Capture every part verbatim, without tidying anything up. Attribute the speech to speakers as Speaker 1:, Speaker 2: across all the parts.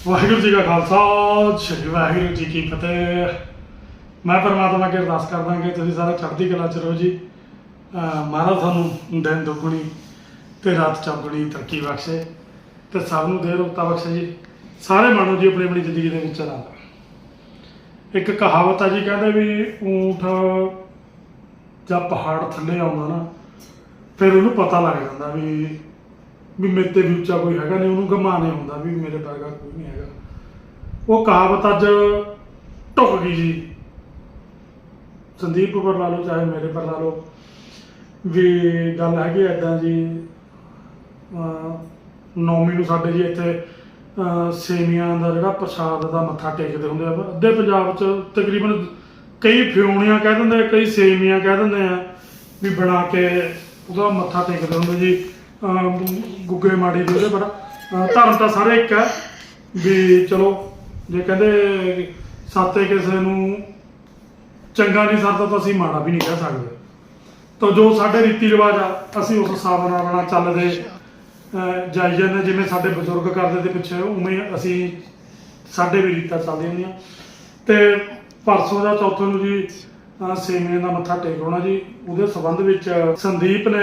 Speaker 1: ਵਾਹਿਗੁਰੂ ਜੀ ਕਾ ਖਾਲਸਾ ਸ੍ਰੀ ਵਾਹਿਗੁਰੂ ਜੀ ਕੀ ਫਤਿਹ। ਮੈਂ ਪਰਮਾਤਮਾ ਅੱਗੇ ਅਰਦਾਸ ਕਰਦਾ ਕਿ ਤੁਸੀਂ ਸਾਰੇ ਚੜ੍ਹਦੀ ਕਲਾ 'ਚ ਰਹੋ ਜੀ। ਮਹਾਰਾਜ ਤੁਹਾਨੂੰ ਦਿਨ ਦੁੱਗਣੀ ਤੇ ਰਾਤ ਚੌਗੁਣੀ ਤਰੱਕੀ ਬਖਸ਼ੇ ਤੇ ਸਭ ਨੂੰ ਦੇ ਰੋਗਤਾ ਬਖਸ਼ੇ ਜੀ। ਸਾਰੇ ਮਾਣੋ ਜੀ ਆਪਣੀ ਆਪਣੀ ਜ਼ਿੰਦਗੀ ਦੇ ਵਿੱਚ ਆਨੰਦ। ਇੱਕ ਕਹਾਵਤ ਆ ਜੀ, ਕਹਿੰਦੇ ਵੀ ਊਂਠ ਜਦ ਪਹਾੜ ਥੱਲੇ ਆਉਂਦਾ ਨਾ ਫਿਰ ਉਹਨੂੰ ਪਤਾ ਲੱਗ ਜਾਂਦਾ ਵੀ ਵੀ ਮੇਰੇ ਤੇ ਵੀ ਉੱਚਾ ਕੋਈ ਹੈਗਾ ਨਹੀਂ, ਉਹਨੂੰ ਗਮਾਨੇ ਹੁੰਦਾ ਵੀ ਮੇਰੇ ਵਰਗਾ ਕੋਈ ਨਹੀਂ ਹੈਗਾ। ਉਹ ਕਹਾਵਤ ਅੱਜ ਢੁੱਕ ਗਈ ਜੀ। ਸੰਦੀਪ ਪਰ ਲਾ ਲਓ ਚਾਹੇ ਮੇਰੇ ਪਰ ਲਾ ਲਓ, ਵੀ ਗੱਲ ਹੈਗੀ ਇੱਦਾਂ ਜੀ। ਨੌਵੀਂ ਨੂੰ ਸਾਡੇ ਜੀ ਇੱਥੇ ਸੇਵੀਆਂ ਦਾ ਜਿਹੜਾ ਪ੍ਰਸ਼ਾਦ ਦਾ ਮੱਥਾ ਟੇਕਦੇ ਹੁੰਦੇ ਆ। ਅੱਧੇ ਪੰਜਾਬ 'ਚ ਤਕਰੀਬਨ ਕਈ ਫਿਉਣੀਆਂ ਕਹਿ ਦਿੰਦੇ ਆ, ਕਈ ਸੇਵੀਆਂ ਕਹਿ ਦਿੰਦੇ ਆ, ਵੀ ਬਣਾ ਕੇ ਉਹਦਾ ਮੱਥਾ ਟੇਕਦੇ ਹੁੰਦੇ ਜੀ। ਗੁੱਗੇ ਮਾੜੀ ਦੇ ਉਹਦੇ ਬੜਾ ਧਰਮ ਤਾਂ ਸਾਰੇ ਇੱਕ ਹੈ ਵੀ ਚਲੋ, ਜੇ ਕਹਿੰਦੇ ਸਾਤੇ ਕਿਸੇ ਨੂੰ ਚੰਗਾ ਨਹੀਂ ਸਰਦਾ ਤਾਂ ਅਸੀਂ ਮਾੜਾ ਵੀ ਨਹੀਂ ਕਹਿ ਸਕਦੇ। ਤਾਂ ਜੋ ਸਾਡੇ ਰੀਤੀ ਰਿਵਾਜ ਆ ਅਸੀਂ ਉਸ ਹਿਸਾਬ ਨਾਲ ਆਪਣਾ ਚੱਲਦੇ ਜਾਈ ਜਾਂਦੇ। ਜਿਵੇਂ ਸਾਡੇ ਬਜ਼ੁਰਗ ਕਰਦੇ ਤੇ ਪਿੱਛੇ ਉਵੇਂ ਅਸੀਂ ਸਾਡੇ ਵੀ ਰੀਤਾਂ ਚੱਲਦੀਆਂ ਹੁੰਦੀਆਂ। ਅਤੇ ਪਰਸੋਂ ਦਾ ਚੌਥੇ ਨੂੰ ਜੀ ਸੇਵੀਆਂ ਦਾ ਮੱਥਾ ਟੇਕ ਹੋਣਾ ਜੀ। ਉਹਦੇ ਸੰਬੰਧ ਵਿੱਚ ਸੰਦੀਪ ਨੇ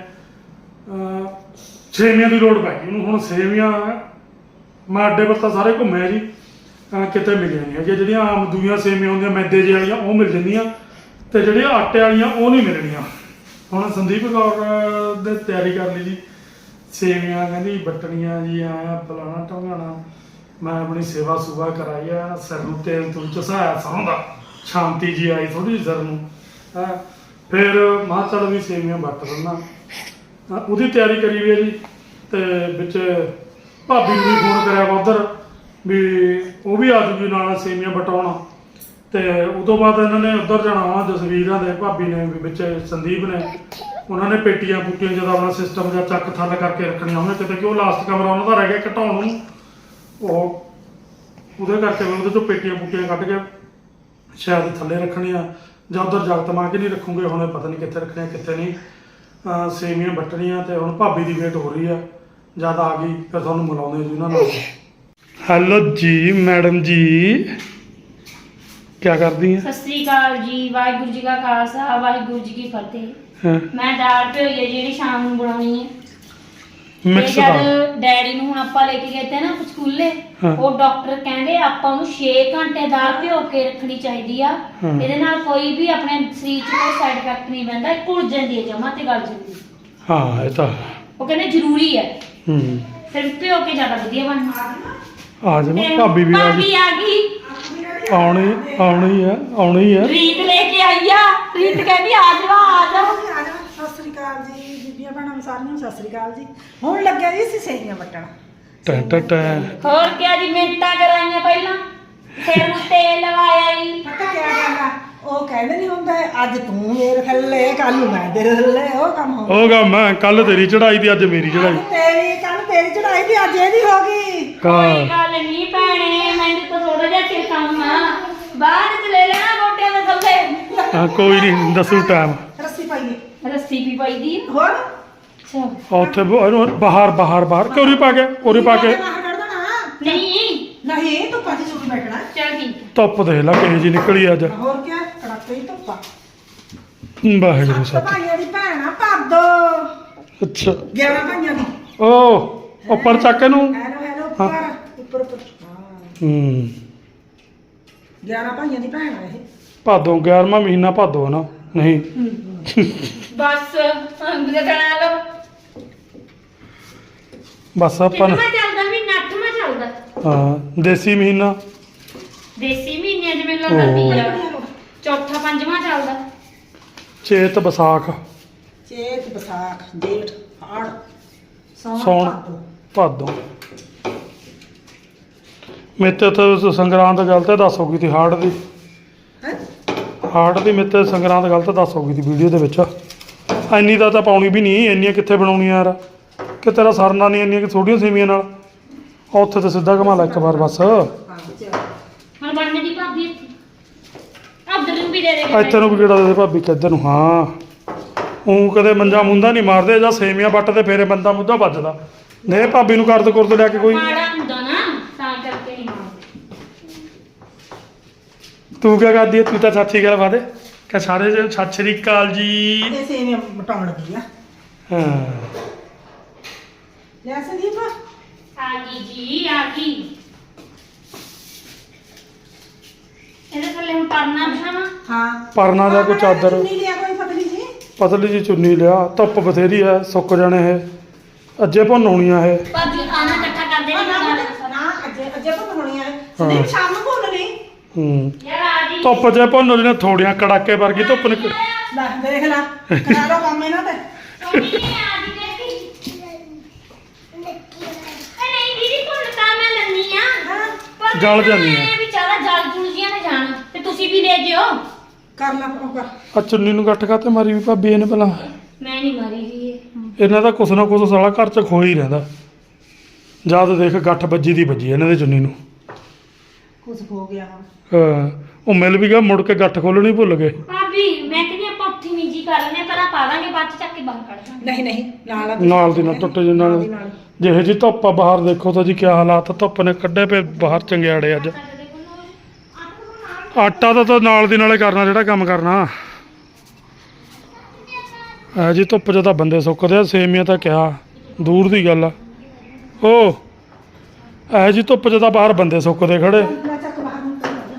Speaker 1: ਸੇਵੀਆਂ ਦੀ ਲੋੜ ਪੈ ਗਈ ਉਹਨੂੰ। ਹੁਣ ਸੇਵੀਆਂ ਮੈਂ ਅੱਡੇ ਪਰ ਤਾਂ ਸਾਰੇ ਘੁੰਮਿਆ ਜੀ, ਕਿਤੇ ਮਿਲੀਆਂ ਨਹੀਂ ਹੈਗੀਆਂ। ਜਿਹੜੀਆਂ ਆਮ ਦੂਈਆਂ ਸੇਵੀਆਂ ਹੁੰਦੀਆਂ ਮੈਦੇ ਜਿਹੇ ਵਾਲੀਆਂ ਉਹ ਮਿਲ ਜਾਂਦੀਆਂ, ਅਤੇ ਜਿਹੜੀਆਂ ਆਟੇ ਵਾਲੀਆਂ ਉਹ ਨਹੀਂ ਮਿਲਣੀਆਂ। ਹੁਣ ਸੰਦੀਪ ਕੌਰ ਦੇ ਤਿਆਰੀ ਕਰ ਲਈ ਜੀ। ਸੇਵੀਆਂ ਕਹਿੰਦੀ ਵੱਟਣੀਆਂ ਜੀ, ਆਇਆ ਫਲਾਣਾ ਢੋਂਗਾਣਾ। ਮੈਂ ਆਪਣੀ ਸੇਵਾ ਸੁਵਾ ਕਰਾਈ ਆ, ਸਿਰ ਨੂੰ ਤੇਲ ਤੂਲ ਚਸਾਇਆ ਸਰੋਂ ਦਾ, ਸ਼ਾਂਤੀ ਜੀ ਆਈ ਥੋੜ੍ਹੀ ਜਿਹੀ ਸਿਰ ਨੂੰ। ਹੈਂ ਫਿਰ ਮਾਂ ਚੱਲ ਵੀ ਸੇਵੀਆਂ ਵੱਟ ਦਿੰਦਾ, ਉਹਦੀ ਤਿਆਰੀ ਕਰੀ ਹੋਈ ਹੈ ਜੀ। ਅਤੇ ਵਿੱਚ ਭਾਬੀ ਨੂੰ ਵੀ ਫੋਨ ਕਰਿਆ ਵਾ ਉੱਧਰ ਵੀ ਉਹ ਵੀ ਆ ਜੂਗੀ ਨਾਲ ਸੇਵੀਆਂ ਵਟਾਉਣ। ਅਤੇ ਉਹ ਤੋਂ ਬਾਅਦ ਇਹਨਾਂ ਨੇ ਉੱਧਰ ਜਾਣਾ ਵਾ ਜਸਵੀਰਾਂ ਦੇ ਭਾਬੀ ਨੇ ਵੀ ਵਿੱਚ ਸੰਦੀਪ ਨੇ। ਉਹਨਾਂ ਨੇ ਪੇਟੀਆਂ ਪੂਟੀਆਂ ਜਦੋਂ ਆਪਣਾ ਸਿਸਟਮ ਜਾਂ ਚੱਕ ਥੱਲ ਕਰਕੇ ਰੱਖਣੀਆਂ ਹੋਣਗੀਆਂ ਕਿਤੇ, ਕਿ ਉਹ ਲਾਸਟ ਕਮਰਾ ਉਹਨਾਂ ਦਾ ਰਹਿ ਗਿਆ ਘਟਾਉਣ ਨੂੰ। ਉਹ ਉਹਦੇ ਕਰਕੇ ਮੈਂ ਉਹਦੇ 'ਚੋਂ ਪੇਟੀਆਂ ਪੂਟੀਆਂ ਕੱਢ ਕੇ ਸ਼ਾਇਦ ਥੱਲੇ ਰੱਖਣੀਆਂ ਜਾਂ ਉੱਧਰ ਜਗਤ ਮਾਂ ਕੇ ਨਹੀਂ ਰੱਖੂਗੇ। ਹੁਣ ਪਤਾ ਨਹੀਂ ਕਿੱਥੇ ਰੱਖਣੀਆਂ ਕਿੱਥੇ ਨਹੀਂ। ਸੇਵੀਆਂ ਵੱਟਣੀਆਂ ਅਤੇ ਹੁਣ ਭਾਬੀ ਦੀ ਵੇਟ ਹੋ ਰਹੀ ਆ। ਜਦ ਆ ਗਈ ਫਿਰ ਤੁਹਾਨੂੰ ਮਿਲਾਉਂਦੇ ਜੀ ਉਹਨਾਂ ਨਾਲ। ਹੈਲੋ ਜੀ ਮੈਡਮ ਜੀ, ਕੀ ਕਰਦੀ ਆ?
Speaker 2: ਸਤਿ ਸ੍ਰੀ ਅਕਾਲ ਜੀ। ਵਾਹਿਗੁਰੂ ਜੀ ਕਾ ਖਾਲਸਾ ਵਾਹਿਗੁਰੂ ਜੀ ਕੀ ਫਤਿਹ। ਮੈਂ ਦਾਲ ਭਿਓਈ ਹੈ ਜਿਹੜੀ ਸ਼ਾਮ ਨੂੰ ਬਣਾਉਣੀ ਹੈ।
Speaker 1: ਮਿਕਸ
Speaker 2: ਜਦ ਡੈਡੀ ਨੂੰ ਹੁਣ ਆਪਾਂ ਲੈ ਕੇ ਗਏ ਤੇ ਨਾ ਸਕੂਲੇ, ਉਹ ਡਾਕਟਰ ਕਹਿੰਦੇ ਆਪਾਂ ਨੂੰ ਛੇ ਘੰਟੇ ਦਾਲ ਭਿਓ ਕੇ ਰੱਖਣੀ ਚਾਹੀਦੀ ਆ। ਇਹਦੇ ਨਾਲ ਕੋਈ ਵੀ ਆਪਣੇ ਸਰੀਰ 'ਚ ਕੋਈ ਸਾਈਡ ਇਫੈਕਟ ਨਹੀਂ ਪੈਂਦਾ, ਘੁਲ ਜਾਂਦੀ ਹੈ ਜਮਾਂ ਤੇ ਗਲ ਜਾਂਦੀ ਹੈ।
Speaker 1: ਹਾਂ ਇਹ ਤਾਂ
Speaker 2: ਉਹ ਕਹਿੰਦੇ ਜ਼ਰੂਰੀ ਹੈ।
Speaker 1: ਹੂੰ
Speaker 2: ਫਿਰ ਭਿਓ ਕੇ ਜ਼ਿਆਦਾ ਵਧੀਆ ਬਣਦਾ।
Speaker 1: ਆ ਜਾਣਾ ਭਾਬੀ ਵੀ ਆ ਗਈ।
Speaker 2: ਭਾਬੀ ਆ ਗਈ,
Speaker 1: ਆਉਣੀ ਆਉਣੀ ਆ ਆਉਣੀ ਆ।
Speaker 2: ਰੀਤ ਲੈ ਕੇ ਆਈ ਆ। ਰੀਤ ਕਹਿੰਦੀ ਆ ਜਾਵਾ ਆ ਜਾ।
Speaker 3: ਸਤਿ ਸ੍ਰੀ ਅਕਾਲ ਜੀ ਬੀਬੀਆਂ ਭੈਣਾਂ ਸਾਰਿਆਂ ਨੂੰ ਸਤਿ ਸ੍ਰੀ ਅਕਾਲ ਜੀ। ਹੁਣ ਲੱਗਿਆ ਜੀ ਅਸੀਂ ਸੇਵੀਆਂ ਵੱਟਣ।
Speaker 1: ਟੈ ਟੈ ਟੈ
Speaker 2: ਹੋਰ ਕਿਆ ਜੀ, ਮਿੰਟਾਂ ਕਰਾਈਆਂ ਪਹਿਲਾਂ, ਫਿਰ ਨੂੰ ਤੇਲ ਲਵਾਇਆ ਜੀ।
Speaker 3: ਪਤਾ ਕੀ ਗੱਲ ਆ, ਉਹ ਕਹਿੰਦੇ ਨਹੀਂ ਹੁੰਦਾ ਅੱਜ ਤੂੰ ਮੇਰੇ ਥੱਲੇ ਕੱਲ ਨੂੰ ਮੈਂ ਤੇਰੇ ਥੱਲੇ, ਉਹ ਕੰਮ ਹੋ
Speaker 1: ਉਹ ਗਾ ਮੈਂ ਕੱਲ ਤੇਰੀ ਚੜਾਈ ਦੀ ਅੱਜ ਮੇਰੀ ਚੜਾਈ।
Speaker 3: ਤੇਰੀ ਕੱਲ ਤੇਰੀ ਚੜਾਈ ਦੀ ਅੱਜ ਇਹਦੀ ਹੋ ਗਈ।
Speaker 2: ਕੋਈ ਗੱਲ ਨਹੀਂ ਭੈਣੇ, ਮੈਨੂੰ ਤਾਂ ਥੋੜਾ ਜਿਹਾ ਚਿਰ ਕੰਮ ਆ, ਬਾਅਦ ਚ ਲੈ ਲੈਣਾ ਗੋਟਿਆਂ ਦੇ ਥੱਲੇ।
Speaker 1: ਹਾਂ ਕੋਈ ਨਹੀਂ ਦੱਸੂ ਟਾਈਮ।
Speaker 3: ਰੱਸੀ ਪਾਈਏ
Speaker 2: ਰੱਸੀ ਵੀ ਪਾਈਦੀ ਆ।
Speaker 3: ਹੋਰ
Speaker 2: ਅੱਛਾ
Speaker 1: ਉੱਥੇ ਬਾਹਰ ਬਾਹਰ ਬਾਹਰ ਕੋਰੀ ਪਾ ਕੇ ਕੋਰੀ ਪਾ ਕੇ
Speaker 3: ਬਾਹਰ ਕੱਢ ਦੇਣਾ।
Speaker 2: ਨਹੀਂ
Speaker 3: ਨਹੀਂ ਧੁੱਪਾਂ 'ਚ ਚੁੱਕ ਬੈਠਣਾ।
Speaker 2: ਚੱਲ ਠੀਕ ਹੈ।
Speaker 1: ਧੁੱਪ ਦੇਖ ਲਾ ਕਿਹੋ ਜੀ ਨਿਕਲੀ ਅੱਜ।
Speaker 3: ਹੋਰ ਕੀ ਕੜਾਕੇ ਦੀ ਧੁੱਪਾ।
Speaker 1: ਵਾਹਿਗੁਰੂ
Speaker 3: ਸੱਤ
Speaker 1: ਸੱਚ।
Speaker 3: ਭਾਈਆਂ ਦੀ ਭੈਣਾ ਭਰ ਦੋ।
Speaker 1: ਅੱਛਾ
Speaker 3: ਗਿਆਰਾਂ ਭਾਈਆਂ ਦੀ।
Speaker 1: ਉਹ ਉੱਪਰ ਚੱਕ ਇਹਨੂੰ।
Speaker 3: ਹੈਲੋ ਹੈਲੋ ਉੱਪਰ ਉੱਪਰ ਉੱਪਰ। ਹਾਂ
Speaker 1: ਹੂੰ
Speaker 3: ਗਿਆਰਾਂ ਭਾਈਆਂ ਦੀ ਭੈਣ ਆ ਇਹ।
Speaker 1: ਭਾਦੋਂ ਗਿਆਰਵਾਂ ਮਹੀਨਾ ਭਾਦੋਂ ਨਾ ਨਹੀਂ
Speaker 2: ਬਸ ਅੰਗਲੇ ਕਰਾ ਲਓ।
Speaker 1: ਬਸ ਆਪਾਂ
Speaker 2: ਕਿੰਨਾ ਚੱਲਦਾ ਵੀ ਨੱਠਵਾਂ ਚੱਲਦਾ।
Speaker 1: ਹਾਂ ਦੇਸੀ ਮਹੀਨਾ
Speaker 2: ਦੇਸੀ ਮਹੀਨਿਆਂ 'ਚ ਮੈਨੂੰ ਲੱਗਦਾ ਤੀਆ ਚੌਥਾ ਪੰਜਵਾਂ ਚੱਲਦਾ।
Speaker 1: ਚੇਤ ਵਿਸਾਖ
Speaker 3: ਚੇਤ ਵਿਸਾਖ ਜੇਠ ਹਾੜ
Speaker 1: ਸੌਣ ਭਾਦੋਂ। ਮੇਤੇ ਤਾਂ ਸੰਗਰਾਂਦ ਗਲਤ ਦੱਸ ਹੋ ਗਈ ਤੀ ਹਾੜ ਦੀ। ਹਾੜ ਦੀ ਮੇਤੇ ਸੰਗਰਾਂਦ ਗਲਤ ਦੱਸ ਹੋ ਗਈ ਤੀ ਵੀਡੀਓ ਦੇ ਵਿੱਚ। ਇੰਨੀ ਦਾ ਤਾਂ ਪਾਉਣੀ ਵੀ ਨਹੀਂ, ਇੰਨੀਆਂ ਕਿੱਥੇ ਬਣਾਉਣੀਆਂ ਯਾਰ, ਕਿ ਤੇਰਾ ਸਰਨਾ ਨਹੀਂ ਇੰਨੀਆਂ ਕਿ ਥੋੜੀਆਂ ਸੇਵੀਆਂ ਨਾਲ। ਉੱਥੇ ਤਾਂ ਸਿੱਧਾ ਘੁਮਾ ਲੈ ਇੱਕ ਵਾਰ ਬਸ।
Speaker 2: ਹੁਣ ਬਣਨੇ ਦੀ ਭਾਬੀ ਇੱਥੇ ਉਧਰ ਨੂੰ ਵੀ ਦੇ ਦੇ।
Speaker 1: ਇੱਥੇ ਨੂੰ ਵੀ ਕਿਹੜਾ ਦੇ ਭਾਬੀ ਕਿੱਧਰ ਨੂੰ। ਹਾਂ ਉਹ ਕਦੇ ਮੰਜਾ ਮੁੰਦਾ ਨਹੀਂ ਮਾਰਦੇ, ਜਾਂ ਸੇਵੀਆਂ ਵੱਟ ਤੇ ਫੇਰੇ ਬੰਦਾ ਮੁੱਦਾ ਵੱਜਦਾ। ਨੇ ਭਾਬੀ ਨੂੰ ਕਰਦ ਕੁਰਦ ਲਿਆ ਕੇ ਕੋਈ।
Speaker 2: ਮਾੜਾ ਹੁੰਦਾ ਨਾ ਤਾਂ ਚੱਲ ਕੇ ਨਹੀਂ ਮਾਰਦੇ।
Speaker 1: ਤੂੰ ਕਿਆ ਕਰਦੀ ਹੈ? ਤੂੰ ਤਾਂ ਸੱਚੀ ਗੱਲ ਵਾਦੇ ਕਿ ਸਾਰੇ ਜੇ ਸਤਿ ਸ਼੍ਰੀ ਅਕਾਲ ਜੀ।
Speaker 3: ਇਹ ਸੇਵੀਆਂ ਮਟਾਉਣ ਲੱਗੀ ਆ
Speaker 1: ਹਾਂ
Speaker 3: ਲੈ ਸੰਦੀਪ
Speaker 2: ਆ ਗਈ ਜੀ ਆ ਗਈ। ਇਹਦੇ ਥੱਲੇ ਹੁਣ ਪਰਨਾ ਬਿਛਾਵਾਂ।
Speaker 3: ਹਾਂ
Speaker 1: ਪਰਨਾ ਦਾ ਕੋਈ ਚਾਦਰ
Speaker 3: ਨਹੀਂ ਲਿਆ ਕੋਈ ਪਤਲੀ ਜੀ
Speaker 1: ਪਤਲੀ ਜੀ ਚੁੰਨੀ ਲਿਆ। ਧੁੱਪ ਬਥੇਰੀ ਹੈ, ਸੁੱਕ ਜਾਣੇ ਇਹ ਅੱਜੇ ਭੁੰਨ ਹੋਣੀਆਂ ਇਹ।
Speaker 2: ਭਾਬੀ ਆਣਾ ਇਕੱਠਾ ਕਰਦੇ
Speaker 3: ਨਾ
Speaker 2: ਨਹੀਂ
Speaker 3: ਨਾ
Speaker 2: ਗੱਲ।
Speaker 3: ਨਾ ਅੱਜੇ ਅੱਜੇ ਤਾਂ ਹੋਣੀ ਆ ਸੰਦੀਪ ਸ਼ਾਮ ਨੂੰ ਭੁੰਨਣੀ
Speaker 1: ਹੂੰ
Speaker 2: ਯਾਰ ਆ ਜੀ
Speaker 1: ਧੁੱਪ 'ਚ ਭੁੰਨ ਹੋਣੀਆਂ ਥੋੜੀਆਂ ਕੜਾਕੇ ਵਰਗੀ ਧੁੱਪ ਨਿਕਲ।
Speaker 3: ਲੈ ਦੇਖ ਲੈ ਕਰਾ ਲਓ ਕੰਮ ਇਹਨਾਂ ਤੇ
Speaker 2: ਸੋਨੀ ਨੇ ਆ ਜੀ ਦੇਖੀ। ਅਰੇ ਨਹੀਂ ਦੀਦੀ ਤੁਹਾਨੂੰ ਤਾਂ ਮੈਂ ਲੰਨੀ ਆ।
Speaker 3: ਹਾਂ
Speaker 2: ਪਰ
Speaker 1: ਗਲ ਜਾਂਦੀ ਆ।
Speaker 2: ਮੈਂ ਵਿਚਾਰਾ ਜਲ ਜੁਲ ਜੀਆਂ ਨਾ ਜਾਣ ਤੇ ਤੁਸੀਂ ਵੀ ਲੈ ਜਿਓ।
Speaker 3: ਕਰ ਲੈ ਉਹ ਕਰ
Speaker 1: ਆ ਚੁੰਨੀ ਨੂੰ ਗੱਠ ਕਾਤੇ ਮਾਰੀ ਵੀ ਭਾਬੀ ਇਹਨੇ ਪਹਿਲਾਂ?
Speaker 2: ਮੈਂ ਨਹੀਂ ਮਰੀ ਜੀ ਇਹ।
Speaker 1: ਇਹਨਾਂ ਦਾ ਕੁਛ ਨਾ ਕੁਛ ਸਾਲਾ ਘਰ 'ਚ ਖੋ ਹੀ ਰਹਿੰਦਾ। ਜਦ ਦੇਖ ਗੱਠ ਵੱਜੀ ਦੀ ਵੱਜੀ ਇਹਨਾਂ ਦੇ ਚੁੰਨੀ ਨੂੰ।
Speaker 3: ਕੁਝ ਹੋ ਗਿਆ ਹੁਣ
Speaker 1: ਹਾਂ ਉਹ ਮਿਲ ਵੀ ਗਿਆ, ਮੁੜ ਕੇ ਗੱਠ ਖੋਲਣੀ ਭੁੱਲ ਗਏ।
Speaker 2: ਭਾਬੀ ਮੈਂ ਕਹਿੰਦੀ ਆਪਾਂ ਉੱਥੇ ਨਿੱਜੀ ਕਰ ਲੈਣੇ ਪਰ ਆ ਪਾ ਦਾਂਗੇ ਬਾਅਦ ਚ ਚੱਕ ਕੇ ਬਾਹਰ ਕੱਢ ਦਾਂਗੇ।
Speaker 3: ਨਹੀਂ ਨਹੀਂ ਨਾਲ ਆ
Speaker 1: ਨਾਲ ਦੀ ਨਾਲ ਟੁੱਟ ਜੇ ਨਾਲ
Speaker 3: ਦੀ ਨਾਲ।
Speaker 1: ਜਿਹੇ ਜੀ ਧੁੱਪ ਆ ਬਾਹਰ ਦੇਖੋ ਤਾਂ ਜੀ ਕੀ ਹਾਲਾਤ ਆ। ਧੁੱਪ ਨੇ ਕੱਢੇ ਪਏ ਬਾਹਰ ਚੰਗਿਆੜੇ ਅੱਜ। ਆਟਾ ਤਾਂ ਤਾਂ ਨਾਲ ਦੀ ਨਾਲੇ ਕਰਨਾ ਜਿਹੜਾ ਕੰਮ ਕਰਨਾ। ਐ ਜੀ ਧੁੱਪ 'ਚ ਤਾਂ ਬੰਦੇ ਸੁੱਕਦੇ ਆ। ਸੇਮੀਆਂ ਤਾਂ ਕਿਹਾ ਦੂਰ ਦੀ ਗੱਲ ਆ। ਉਹ ਐ ਜੀ ਧੁੱਪ 'ਚ ਤਾਂ ਬਾਹਰ ਬੰਦੇ ਸੁੱਕਦੇ ਖੜੇ।
Speaker 3: ਲੈ ਚੱਕ ਬਾਹਰ ਨੂੰ ਕਰ ਲੈ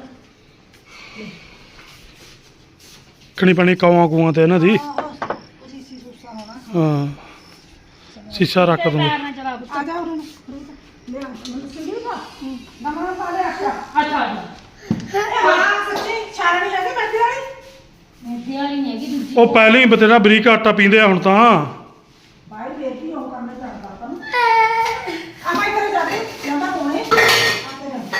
Speaker 1: ਖਣੀ ਪਾਣੀ ਕਾਵਾਂ ਕੂਆਂ ਤੇ ਇਹਨਾਂ ਦੀ।
Speaker 3: ਤੁਸੀਂ ਸੀ ਸੁਸਾ ਹੋਣਾ
Speaker 1: ਹਾਂ ਸ਼ੀਸ਼ਾ ਰੱਖ ਦੂੰਗਾ।
Speaker 2: ਪੈਰ ਨਾਲ ਚਲਾ ਪੁੱਤ।
Speaker 3: ਆ ਜਾ ਉਰੇ ਨੂੰ ਲੈ ਮੈਨੂੰ ਸੰਦੀਪ ਨਮਾ ਪਾ ਲੈ ਅੱਛਾ
Speaker 2: ਅੱਛਾ
Speaker 3: ਇਹ ਹਾਂ ਸੱਚੀ ਛਾਣ ਨਹੀਂ ਲੱਗੇ ਮੈਦੇ ਵਾਲੀ
Speaker 2: ਮੈਦੇ ਵਾਲੀ ਨਹੀਂ ਹੈਗੀ ਦੂਜੀ।
Speaker 1: ਉਹ ਪਹਿਲਾਂ ਹੀ ਬਤੇਰਾ ਬਰੀਕ ਆਟਾ ਪੀਂਦੇ ਆ ਹੁਣ ਤਾਂ।
Speaker 3: ਭਾਈ ਫੇਰ ਕੀ ਹੋ ਕੰਮ ਕਰਦਾ ਆਪਾਂ ਨੂੰ ਆ ਮੈਂ ਇੱਧਰ ਜਾ ਕੇ ਜਾਂਦਾ ਕੋਨੇ ਆ ਤੇ ਜਾ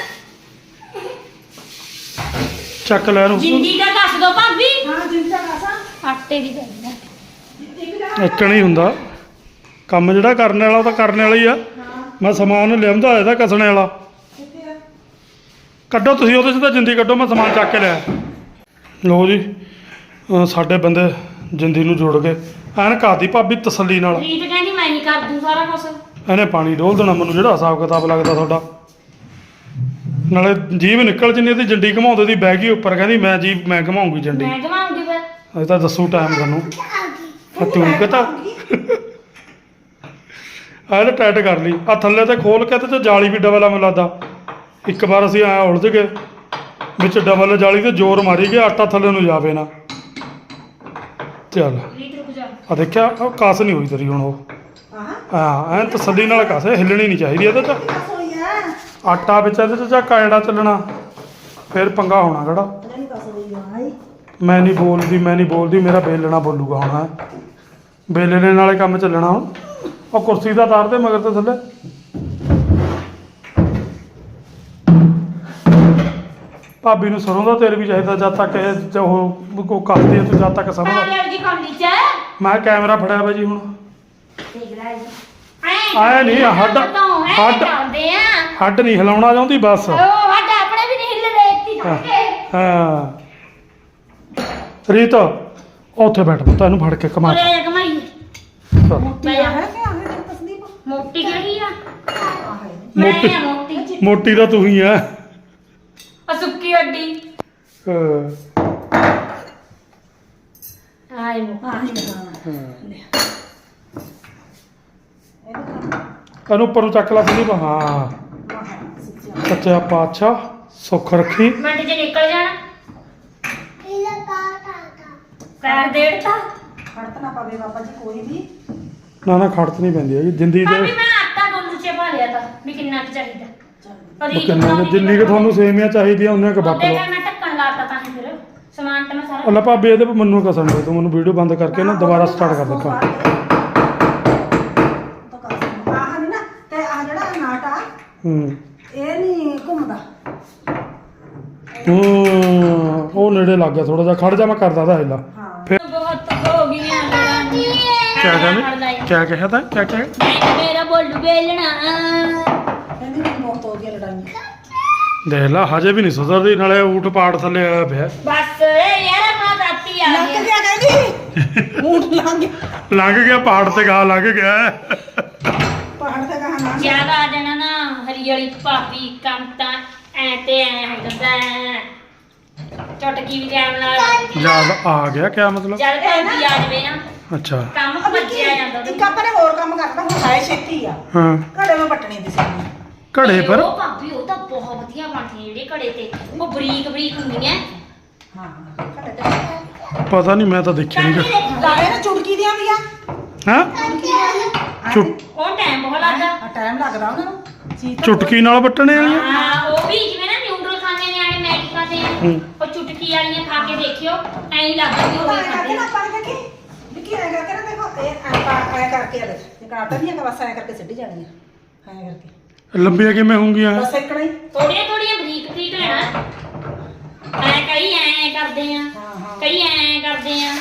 Speaker 1: ਚੱਕ ਲੈ ਇਹਨੂੰ।
Speaker 2: ਜਿੰਦੀ ਦਾ ਕੱਸ ਦੋ ਭਾਬੀ।
Speaker 3: ਹਾਂ ਜਿੰਦਾ ਕਾਸਾ
Speaker 2: ਆਟੇ ਦੀ ਕਰਨਾ।
Speaker 3: ਇੱਕ ਜਣਾ
Speaker 1: ਇੱਕ ਨਹੀਂ ਹੁੰਦਾ ਕੰਮ। ਜਿਹੜਾ ਕਰਨ ਵਾਲਾ ਉਹ ਤਾਂ ਕਰਨ ਵਾਲਾ ਹੀ ਆ।
Speaker 3: ਹਾਂ
Speaker 1: ਮੈਂ ਸਮਾਨ ਲਿਆਉਂਦਾ ਹੋਇਆ ਤਾਂ ਕਸਣੇ ਵਾਲਾ।
Speaker 3: ਕਿੱਥੇ ਆ
Speaker 1: ਕੱਢੋ ਤੁਸੀਂ ਉਹਦੇ 'ਚ ਤਾਂ ਜਿੰਦੀ ਕੱਢੋ, ਮੈਂ ਸਮਾਨ ਚੱਕ ਕੇ ਲਿਆ। ਲਓ ਜੀ ਅਹ ਸਾਡੇ ਬੰਦੇ ਜਿੰਦੀ ਨੂੰ ਜੋੜ ਕੇ ਐਨ ਘਾਤੀ ਭਾਬੀ ਤਸੱਲੀ ਨਾਲ।
Speaker 2: ਰੀਤ ਕਹਿੰਦੀ ਮੈਂ ਹੀ ਕਰ ਦੂੰ ਸਾਰਾ ਕੁਝ।
Speaker 1: ਇਹਨੇ ਪਾਣੀ ਡੋਲ ਦੇਣਾ ਮੈਨੂੰ ਜਿਹੜਾ ਹਿਸਾਬ ਕਿਤਾਬ ਲੱਗਦਾ ਤੁਹਾਡਾ। ਨਾਲੇ ਜੀਭ ਨਿਕਲ ਜਿੰਨੀ ਇਹਦੀ ਜੰਡੀ ਘਮਾਉਂਦੇ ਦੀ ਬਹਿ ਗਈ ਉੱਪਰ, ਕਹਿੰਦੀ ਮੈਂ ਜੀਭ ਮੈਂ ਘਮਾਉਂਗੀ ਜੰਡੀ।
Speaker 2: ਮੈਂ ਘਮਾਉਂਗੀ ਫਿਰ।
Speaker 1: ਅਜੇ ਤਾਂ ਦੱਸੂ ਟਾਈਮ ਤੁਹਾਨੂੰ। ਆ ਤੂੰ ਕਹਤਾ ਆਹ ਇਹਨੇ ਟਾਈਟ ਕਰ ਲਈ। ਆ ਥੱਲੇ ਤੇ ਖੋਲ ਕੇ ਤੇ ਜਾਲੀ ਵੀ ਡਬਲ ਆ ਮੈਨੂੰ ਲੱਗਦਾ। ਇੱਕ ਵਾਰ ਅਸੀਂ ਆਇਆ ਉਲਝ ਗਏ ਵਿੱਚ ਡਬਲ ਜਾਲੀ ਤੇ ਜ਼ੋਰ ਮਾਰੀ ਗਿਆ ਆਟਾ ਥੱਲੇ ਨੂੰ ਜਾਵੇ ਨਾ। ਚੱਲ
Speaker 2: ਰੀਤ ਰੁਕ ਜਾ।
Speaker 1: ਆ ਦੇਖਿਆ ਉਹ ਕਾਸ ਨਹੀਂ ਹੋਈ ਤੇਰੀ ਹੁਣ। ਉਹ
Speaker 3: ਆਹ
Speaker 1: ਹਾਂ ਐਂ ਤਸੱਲੀ ਨਾਲ ਕਾਸ ਹਿੱਲਣੀ ਨਹੀਂ ਚਾਹੀਦੀ ਇਹਦੇ 'ਚ।
Speaker 3: ਕਿੱਥੇ ਹੋਈ ਆ
Speaker 1: ਆਟਾ ਵਿੱਚ ਇਹਦੇ 'ਚ ਝਾਕਾ ਜਿਹੜਾ ਚੱਲਣਾ ਫਿਰ ਪੰਗਾ ਹੋਣਾ ਕਿਹੜਾ।
Speaker 3: ਨਹੀਂ ਕਸ ਹੋਈ ਆ ਭਾਈ
Speaker 1: ਮੈਂ ਨਹੀਂ ਬੋਲਦੀ ਮੈਂ ਨਹੀਂ ਬੋਲਦੀ ਮੇਰਾ ਬੇਲਣਾ ਬੋਲੂਗਾ ਹੁਣ। ਹੈਂ ਬੇਲਣੇ ਨਾਲੇ ਕੰਮ ਚੱਲਣਾ ਹੁਣ। ਉਹ ਕੁਰਸੀ ਦਾ ਤਾਰ ਤੇ ਮਗਰ ਤੇ ਥੱਲੇ। ਭਾਬੀ ਨੂੰ ਸਰੋਂ ਦਾ ਤੇਲ ਵੀ ਚਾਹੀਦਾ ਜਦ ਤੱਕ ਇਹ ਜ- ਉਹ ਕੋ ਕੱਸਦੀ ਹੈ ਤੂੰ ਜਦ ਤੱਕ ਸਰੋਂ ਦਾ।
Speaker 2: ਆਲੇ ਜੀ ਕੌਲੀ ਚ
Speaker 1: ਮੈਂ ਕੈਮਰਾ ਫੜਿਆ ਵਾ ਜੀ ਹੁਣ।
Speaker 2: ਦੇਖ ਲੈ ਜੀ।
Speaker 1: ਆਏ ਨਹੀਂ, ਹੱਡ- ਹੱਡ-
Speaker 2: ਹੱਡ ਆਉਂਦੇ ਆ।
Speaker 1: ਹੱਡ ਨਹੀਂ ਹਿਲਾਉਣਾ ਚਾਹੁੰਦੀ ਬਸ।
Speaker 2: ਉਹ ਹੱਡ ਆਪਣੇ ਵੀ ਨਹੀਂ ਹਿੱਲਦੇ ਇੱਥੇ ਖੜਕੇ।
Speaker 1: ਹਾਂ ਰੀਤ ਉੱਥੇ ਬੈਠ ਪੁੱਤ ਇਹਨੂੰ ਫੜ ਕੇ ਕਮਾ
Speaker 2: ਉਰੇ ਕਮਾਈ
Speaker 1: ਚੱਲ।
Speaker 3: ਮੋਟੀ ਆ ਹੈ ਕਿ ਆਹ ਤੇ ਤਸਦੀਪ
Speaker 2: ਮੋਟੀ ਕਿਹੜੀ ਆ?
Speaker 3: ਆਹ ਹੈ
Speaker 2: ਮੈਂ
Speaker 1: ਮੋਟੀ-
Speaker 2: ਆ ਮੋਟੀ।
Speaker 1: ਮੋਟੀ ਤਾਂ ਤੂੰ ਹੀ ਆ।
Speaker 2: ਆ ਸੁੱਕੀ ਹੱਡੀ।
Speaker 1: ਹਾਂ,
Speaker 2: ਆਏ ਮੋ
Speaker 3: ਆਹ ਹੀ ਹਾਂ
Speaker 1: ਹਾਂ।
Speaker 3: ਇਹਦਾ
Speaker 1: ਇਹਨੂੰ ਉੱਪਰ ਨੂੰ ਚੱਕ ਲਾ ਸੰਦੀਪ। ਹਾਂ
Speaker 3: ਵਾਹ ਸੱਚਾ
Speaker 1: ਸੱਚਾ ਪਾਤਸ਼ਾਹ ਸੁੱਖ ਰੱਖੀ।
Speaker 2: ਮਿੰਟ ਚ ਨਿਕਲ ਜਾਣਾ। ਪੈਰ ਦੇੜਤਾ।
Speaker 3: ਖੜਤ ਨਾ ਪਵੇ ਬਾਬਾ ਜੀ ਕੋਈ ਵੀ
Speaker 1: ਨਾ ਨਾ ਖੜਤ ਨਹੀਂ ਪੈਂਦੀ ਹੈਗੀ ਜਿੰਦੀ ਦੇ।
Speaker 2: ਭਾਬੀ ਮੈਂ ਆਟਾ ਡੋਲੂ ਚ ਪਾ ਲਿਆ ਤਾਂ ਵੀ ਕਿੰਨਾ ਕੁ ਚਾਹੀਦਾ।
Speaker 3: ਚੱਲ
Speaker 2: ਪਰ
Speaker 1: ਉਹ ਕਿੰਨਾ ਕੁ- ਜਿੰਨੀ ਕਿ ਤੁਹਾਨੂੰ ਸੇਮੀਆਂ ਚਾਹੀਦੀਆਂ ਉਹਨੇ ਕ ਵੱਟ
Speaker 2: ਉਹਦੇ
Speaker 1: ਲਓ।
Speaker 2: ਨਾਲ ਮੈਂ ਢੱਕਣ ਲਾਤਾ ਤਾਂ ਹੀ ਫਿਰ ਸਮਾਨ ਤਾਂ ਮੈਂ ਸਾਰਾ
Speaker 1: ਅੱਲਾ ਭਾਬੀ ਇਹਦੇ ਪਰ ਮੈਨੂੰ ਕਸਣ ਦੇ ਤੂੰ ਮੈਨੂੰ ਵੀਡੀਓ ਬੰਦ ਕਰਕੇ ਨਾ ਦੁਬਾਰਾ ਸਟਾਰਟ ਕਰ ਦੇਖਾਂ।
Speaker 3: ਤਾਂ ਕਰ ਸਕਦਾ ਆਹ ਨਹੀਂ ਨਾ ਤੇ ਆਹ ਜਿਹੜਾ ਨਾਟ ਆ
Speaker 1: ਹੂੰ
Speaker 3: ਇਹ ਨਹੀਂ ਘੁੰਮਦਾ
Speaker 1: ਹੂੰ ਉਹ ਨੇੜੇ ਲੱਗ ਗਿਆ ਥੋੜਾ ਜਿਹਾ। ਖੜ ਜਾ ਮੈਂ ਕਰਦਾ ਦਾ ਹਿੱਲਾ।
Speaker 3: ਹਾਂ
Speaker 1: ਫਿਰ
Speaker 2: ਬਹੁਤ ਹੋ ਗਈਆਂ ਲੜਾਈਆਂ।
Speaker 1: ਕਿਆ ਕਹਿੰਦੇ ਕਿਆ ਕਿਹਾ ਤਾਂ ਕਿਆ ਕਿਹਾ
Speaker 2: ਮੈਂ ਮੇਰਾ ਬੋਲੂ ਬੇਲਣਾ।
Speaker 3: ਕਹਿੰਦੀ ਮੈਨੂੰ ਬਹੁਤ ਹੋ ਗਿਆ ਲੜਾਈਆਂ
Speaker 1: ਦੇਖ ਲਾ ਹਜੇ ਵੀ ਨਹੀਂ ਸੁਧਰਦੀ। ਨਾਲੇ ਊਠ ਪਾੜ ਥੱਲੇ ਆਇਆ ਪਿਆ।
Speaker 2: ਬਸ ਇਹ ਯਾਰ ਮੈਂ ਰਾਤੀ ਆ
Speaker 3: ਲੰਘ
Speaker 2: ਗਿਆ।
Speaker 3: ਗਿਆ ਕਹਿੰਦੀ ਊਂਟ ਲੰਘ ਗਿਆ
Speaker 1: ਲੰਘ ਗਿਆ ਪਹਾੜ ਤੇ ਗਾ ਲੰਘ ਗਿਆ।
Speaker 3: ਪਹਾੜ ਤੇ ਕਹਾ ਨਾ
Speaker 2: ਜ਼ਿਆਦਾ ਆ ਜਾਣਾ ਨਾ ਹਰੀ ਵਾਲੀ ਭਾਬੀ ਕੰਮ ਤਾਂ ਐ ਤੇ ਐ ਹੋ ਜਾਂਦਾ ਹੈ। ਚੁਟਕੀ ਵੀ ਟਾਈਮ ਨਾਲ ਵੱਜਦੀ ਆ।
Speaker 1: ਯਾਦ ਆ ਗਿਆ ਕਿਆ ਮਤਲਬ?
Speaker 2: ਜਦ ਭਾਬੀ ਆ ਜਾਵੇ ਨਾ
Speaker 1: ਅੱਛਾ
Speaker 2: ਕੰਮ ਭੱਜਿਆ ਜਾਂਦਾ ਉਹਦੇ
Speaker 3: ਇੱਕ ਆਪਾਂ ਨੇ ਹੋਰ ਕੰਮ ਕਰਨਾ ਹੁਣ ਹਾਏ ਛੇਤੀ ਆ
Speaker 1: ਹਾਂ
Speaker 3: ਘੜੇ ਮੈਂ ਪੱਟਣੀ ਦੀ ਸੀ
Speaker 1: ਘੜੇ ਪਰ
Speaker 2: ਉਹ ਭਾਬੀ ਉਹ ਤਾਂ ਬਹੁਤ ਵਧੀਆ ਬਣਦੀਆਂ ਜਿਹੜੇ ਘੜੇ ਤੇ ਉਹ ਬਰੀਕ ਬਰੀਕ ਹੁੰਦੀਆਂ
Speaker 3: ਹਾਂ ਘੜੇ ਤੇ
Speaker 1: ਪਤਾ ਨਹੀਂ ਮੈਂ ਤਾਂ ਦੇਖਿਆ ਨਹੀਂ ਗਾ।
Speaker 3: ਗਾਣੇ ਨਾ ਚੁਟਕੀ ਦੀਆਂ ਵੀ ਆ
Speaker 1: ਹੈਂ ਚੁਟ
Speaker 2: ਉਹ ਟਾਈਮ ਬਹੁਤ ਲੱਗਦਾ
Speaker 3: ਆ ਟਾਈਮ ਲੱਗਦਾ ਉਹਨਾਂ ਨੂੰ ਚੀਜ਼ ਤਾਂ
Speaker 1: ਚੁਟਕੀ ਨਾਲ ਵੱਟਣੇ ਵਾਲੀਆਂ
Speaker 2: ਹਾਂ ਉਹ ਵੀ ਜਿਵੇਂ ਨਾ ਨਿਊਡਲ ਖਾਂਦੇ ਨਿਆਣੇ ਮੈਗੀ ਖਾਂਦੇ ਆ
Speaker 1: ਹੂੰ।
Speaker 2: ਉਹ ਚੁਟਕੀ ਵਾਲੀਆਂ ਖਾ ਕੇ ਦੇਖਿਓ ਐਂ ਹੀ ਲੱਗਦਾ ਕਿ ਉਹ
Speaker 3: ਉਹ
Speaker 2: ਹੀ
Speaker 3: ਐਂ ਕਰਕੇ
Speaker 2: ਖਾਂਦੇ
Speaker 3: ਨਾ
Speaker 2: ਆ।
Speaker 3: ਆਪਾਂ ਨੇ ਦੇਖੀ ਵਿੱਕੀ ਐਂ ਕਰਕੇ ਨਾ ਦੇਖੋ ਇਹ ਐਂ ਐਂ ਕਰਕੇ ਆ ਦੇ ਇਹ ਕਾਟਾ ਨਹੀਂ ਹੈਗਾ ਬਸ ਐਂ ਕਰਕੇ ਸਿੱਟੀ ਜਾਣੀ ਆ ਐਂ ਕਰਕੇ
Speaker 1: ਲੰਬੀਆਂ ਕਿਵੇਂ ਹੋਣਗੀਆਂ
Speaker 3: ਬਸ ਇੱਕਣਾ ਹੀ
Speaker 2: ਥੋੜੀਆਂ ਥੋੜੀਆਂ ਬਰੀਕ ਬਰੀਕ ਲੈਣਾ ਐ ਕਈ ਐ ਕਰਦੇ ਆ
Speaker 3: ਹਾਂ ਹਾਂ
Speaker 2: ਕਈ ਐ ਕਰਦੇ ਆ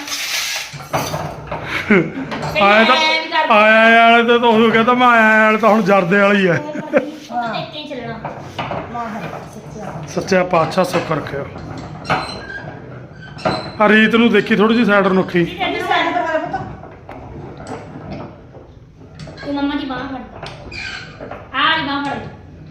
Speaker 2: ਕਈ
Speaker 1: ਆਇਆ ਤਾਂ
Speaker 2: ਐਂ ਵੀ ਕਰਦੇ ਆ।
Speaker 1: ਆਇਆ ਵਾਲੇ ਤੇ ਤਾਂ ਉਹ ਕਹਿੰਦਾ ਮੈਂ ਆਇਆ ਵਾਲੇ ਤਾਂ ਹੁਣ ਜਰਦੇ ਵਾਲੀ ਹੈ
Speaker 2: ਉਹ ਤਾਂ ਦੇਖ ਕੇ ਹੀ ਚੱਲਣਾ
Speaker 3: ਮਾਹਰ ਸੱਚਾ
Speaker 1: ਸੱਚਾ ਪਾਤਸ਼ਾਹ ਸੁੱਖ ਰੱਖਿਓ ਆ ਰੀਤ ਨੂੰ ਦੇਖੀ ਥੋੜੀ ਜਿਹੀ ਸਾਈਡ ਰਨੁੱਖੀ
Speaker 3: ਇਹ ਸਾਈਡ ਪਰ ਮੇਰਾ ਪੁੱਤ
Speaker 2: ਤੂੰ ਮੰਮਾ ਦੀ ਬਾਂਹ ਫੜ ਆਹ ਵਾਲੀ ਬਾਂਹ ਫੜ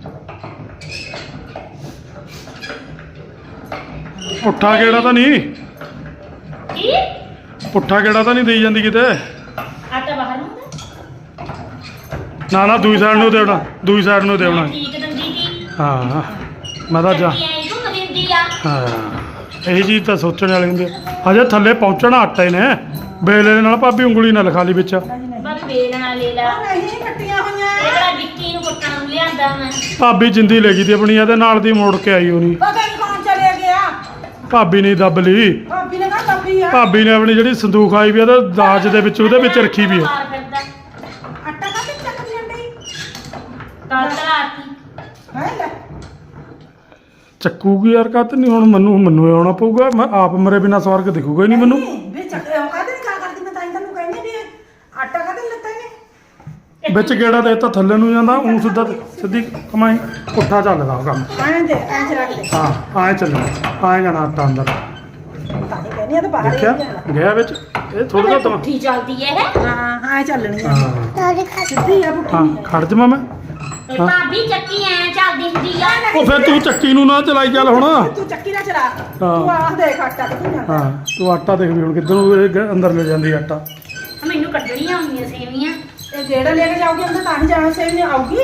Speaker 1: ਪੁੱਠਾ ਕਿਹੜਾ ਤਾਂ ਨਹੀਂ
Speaker 2: ਕੀ
Speaker 1: ਪੁੱਠਾ ਕਿਹੜਾ ਤਾਂ ਨਹੀਂ ਦੇਈ ਜਾਂਦੀ ਕਿਤੇ
Speaker 2: ਆਟਾ ਬਾਹਰ ਨੂੰ ਹੁੰਦਾ
Speaker 1: ਨਾ ਨਾ ਦੂਈ ਸਾਈਡ ਨੂੰ ਦੇਵਣਾ ਦੂਈ ਸਾਈਡ ਨੂੰ ਦੇਵਣਾ
Speaker 2: ਠੀਕ ਦੰਦੀ ਦੀ
Speaker 1: ਹਾਂ ਮੈਂ ਤਾਂ ਜਾ
Speaker 2: ਚੱਕੀ ਐਂ ਘੁੰਮ ਦਿੰਦੀ ਆ
Speaker 1: ਹਾਂ ਇਹੀ ਚੀਜ਼ ਤਾਂ ਸੋਚਣ ਵਾਲੇ ਹੁੰਦੇ ਹਜੇ ਥੱਲੇ ਪਹੁੰਚਣਾ ਆਟੇ ਨੇ ਬੇਲੇ ਦੇ ਨਾਲ ਭਾਬੀ ਉਂਗਲੀ ਨਾ ਲਿਖਾ ਲਈ ਵਿੱਚ
Speaker 2: ਬਸ ਵੇਲਣਾ ਲੈ ਲਾ
Speaker 3: ਉਹ ਨਹੀਂ ਕੱਟੀਆਂ ਹੋਈਆਂ
Speaker 2: ਇਹ ਕਿਹੜਾ ਵਿੱਕੀ ਨੂੰ ਕੁੱਟਣ ਨੂੰ ਲਿਆਂਦਾ ਮੈਂ
Speaker 1: ਭਾਬੀ ਜਿੰਦੀ ਲੈ ਗਈ ਤੀ ਆਪਣੀ ਇਹਦੇ ਨਾਲ ਦੀ ਮੋੜ ਕੇ ਆਈ ਹੋਣੀ
Speaker 3: ਪਤਾ ਨਹੀਂ ਕੌਣ ਚਲੇ ਗਿਆ
Speaker 1: ਭਾਬੀ ਨੇ ਦੱਬ ਲਈ
Speaker 3: ਭਾਬੀ ਨੇ ਕਹਾ ਲੱਭੀ ਆ
Speaker 1: ਭਾਬੀ ਨੇ ਆਪਣੀ ਜਿਹੜੀ ਸੰਦੂਕ ਆਈ ਵੀ ਉਹਦੇ ਦਾਜ ਦੇ ਵਿੱਚ ਉਹਦੇ ਵਿੱਚ ਰੱਖੀ ਵੀ ਹੈ
Speaker 2: ਮਾਰ ਫਿਰਦਾ
Speaker 3: ਆਟਾ ਕਾ ਤੇ ਚੱਕ ਜਾਂਦੀ
Speaker 2: ਕੱਲ ਤਲਾਤੀ
Speaker 3: ਹੈ ਲੈ
Speaker 1: ਚੱਕੂਗੀ ਯਾਰ ਕਾਤ ਨਹੀਂ ਹੁਣ ਮੈਨੂੰ ਮੈਨੂੰ ਆਉਣਾ ਪਊਗਾ ਮੈਂ ਆਪ ਮਰੇ ਬਿਨਾ ਸਵਰਗ ਦਿਖੂਗਾ ਹੀ ਨਹੀਂ ਮੈਨੂੰ
Speaker 3: ਵੀ ਚੱਕ ਉਹ ਕਾਹਦੇ ਨਹੀਂ ਕਾ ਕਰਦੀ ਮੈਂ ਤਾਂ ਇਹਨਾਂ ਨੂੰ ਕਹਿੰਦੀ ਵੀ ਇਹ ਆਟਾ ਕਾਹਦੇ ਨੀ ਲੱਤਾ ਇਹਨੇ
Speaker 1: ਵਿੱਚ ਗੇੜਾ ਦੇ ਤਾਂ ਥੱਲੇ ਨੂੰ ਜਾਂਦਾ ਉਂ ਸਿੱਧਾ ਸਿੱਧੀ ਕਮਾਈ ਪੁੱਠਾ ਚੱਲਦਾ ਉਹ ਕੰਮ
Speaker 3: ਐਂ ਦੇ ਐਂ ਚ ਰੱਖ ਦੇ
Speaker 1: ਹਾਂ ਆਏ ਚੱਲਣਾ ਆਏ ਜਾਣਾ ਆਟਾ ਅੰਦਰ
Speaker 3: ਤਾਂ ਹੀ ਕਹਿੰਦੀ ਆ ਤਾਂ ਬਾਹਰ ਹੀ
Speaker 1: ਦੇਖਿਆ
Speaker 3: ਜਾਣਾ
Speaker 1: ਗਿਆ ਵਿੱਚ ਇਹ ਥੋੜਾ ਜਿਹਾ ਤਾਂ
Speaker 2: ਪੁੱਠੀ ਚੱਲਦੀ ਐ ਇਹ
Speaker 3: ਹਾਂ ਐਂ ਚੱਲਣੀ ਆ
Speaker 1: ਹਾਂ
Speaker 3: ਸਿੱਧੀ ਆ ਪੁੱਠੀ
Speaker 1: ਹਾਂ
Speaker 3: ਨਹੀਂ
Speaker 1: ਖੜ ਜਾਵਾਂ ਮੈਂ
Speaker 2: ਤੇ ਭਾਬੀ ਚੱਕੀ ਐ ਚੱਲਦੀ ਹੁੰਦੀ ਆ
Speaker 1: ਉਹ ਫਿਰ ਤੂੰ ਚੱਕੀ ਨੂੰ ਨਾ ਚਲਾਈ ਚੱਲ ਹੁਣ
Speaker 3: ਤੂੰ ਚੱਕੀ ਨਾ ਚਲਾ ਤੂੰ ਆਹ ਦੇਖ ਆਟਾ ਕਿੱਥੇ ਜਾਂਦਾ
Speaker 1: ਹਾਂ ਤੂੰ ਆਟਾ ਦੇਖ ਵੀ ਹੁਣ ਕਿੱਧਰ ਨੂੰ ਇਹ ਗ- ਅੰਦਰ ਲੈ ਜਾਂਦੀ ਆਟਾ
Speaker 2: ਮੈਨੂੰ ਕੱਢਣੀਆਂ ਹੁੰਦੀਆਂ ਸੇਵੀਆਂ
Speaker 3: ਇਹ ਜਿਹੜਾ ਲੈ ਕੇ ਜਾਓਗੇ ਉਹਨੇ ਤਾਂ ਹੀ ਜਾਣਾ ਸੇਵੀ ਆਊਗੀ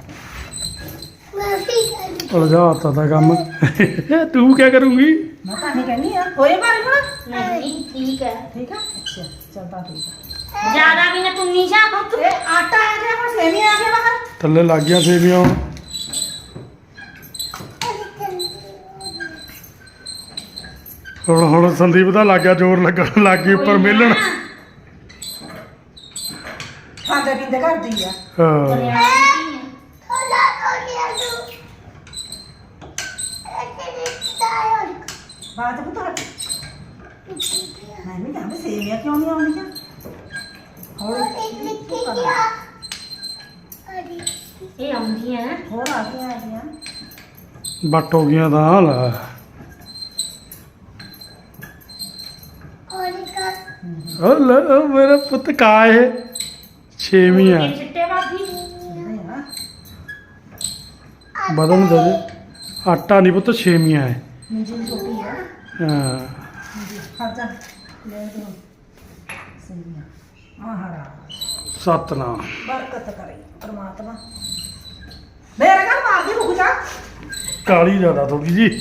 Speaker 1: ਉਲਝਾ ਆਤਾ ਦਾ ਕੰਮ ਤੂੰ ਕੀ ਕਰੂੰਗੀ
Speaker 3: ਮੈਂ ਤਾਂ ਹੀ ਕਹਿੰਦੀ ਆ ਹੋਏ ਬਾਰੇ ਹੁਣ
Speaker 2: ਨਹੀਂ ਠੀਕ ਹੈ
Speaker 3: ਠੀਕ ਆ ਅੱਛਾ ਚੱਲਦਾ ਠੀਕ ਆ
Speaker 2: ਜ਼ਿਆਦਾ ਵੀ ਨਾ ਤੂੰ ਨਹੀਂ ਜਾ ਪੁੱਤ
Speaker 3: ਇਹ ਆਟਾ ਆ ਗਿਆ ਹੁਣ ਸੇਵੀ ਆ ਗਿਆ ਬਾਹਰ
Speaker 1: ਥੱਲੇ ਲੱਗ ਗਿਆ ਸੇਵੀਆਂ ਹੁਣ ਹੁਣ ਹੁਣ ਸੰਦੀਪ ਦਾ ਲੱਗ ਗਿਆ ਜ਼ੋਰ ਲੱਗਣ ਲੱਗ ਗਈ ਉੱਪਰ ਮਿਲਣ
Speaker 3: ਖਾਂਦੇ ਪੀਂਦੇ ਕਰਦੀ ਆ
Speaker 1: ਹਾਂ
Speaker 3: ਬਾਤ ਪੁੱਤ ਹਟ ਮੈਂ ਵੀ ਕਹਿੰਦਾ ਸੇਵੀਆਂ ਕਿਉਂ ਨਹੀਂ ਆਉਂਦੀਆਂ ਹੋਰ
Speaker 2: ਇਹ ਆਉਂਦੀਆਂ
Speaker 3: ਹੋਰ ਆ ਗਈਆਂ ਆ ਗਈਆਂ
Speaker 1: ਬੱਟ ਹੋ ਗਈਆਂ ਤਾਂ ਲੈ ਉਹ ਲੈ ਉਹ ਮੇਰਾ ਪੁੱਤ ਕਾ ਇਹ ਛੇਵੀਂ ਆ
Speaker 2: ਇਹ ਚਿੱਟੇ ਭਾਬੀ
Speaker 3: ਨਹੀਂ ਆ
Speaker 1: ਬਦਲ ਦੇ ਦੇ ਆਟਾ ਨਹੀਂ ਪੁੱਤ ਛੇਵੀਆਂ ਹੈ
Speaker 3: ਮੁੰਜੀ ਛੋਟੀ ਆ
Speaker 1: ਹਾਂ
Speaker 3: ਖਰਚਾ ਲੈ ਦੋ ਸੇਵੀਆਂ ਮਹਾਰਾਜ
Speaker 1: ਸਤਨਾਮ
Speaker 3: ਬਰਕਤ ਕਰੇ ਪ੍ਰਮਾਤਮਾ ਮੇਰੇ ਘਰ ਮਾਰ ਦੀ ਰੁਕ ਜਾ
Speaker 1: ਕਾਲੀ ਜ਼ਿਆਦਾ ਥੋੜੀ ਜੀ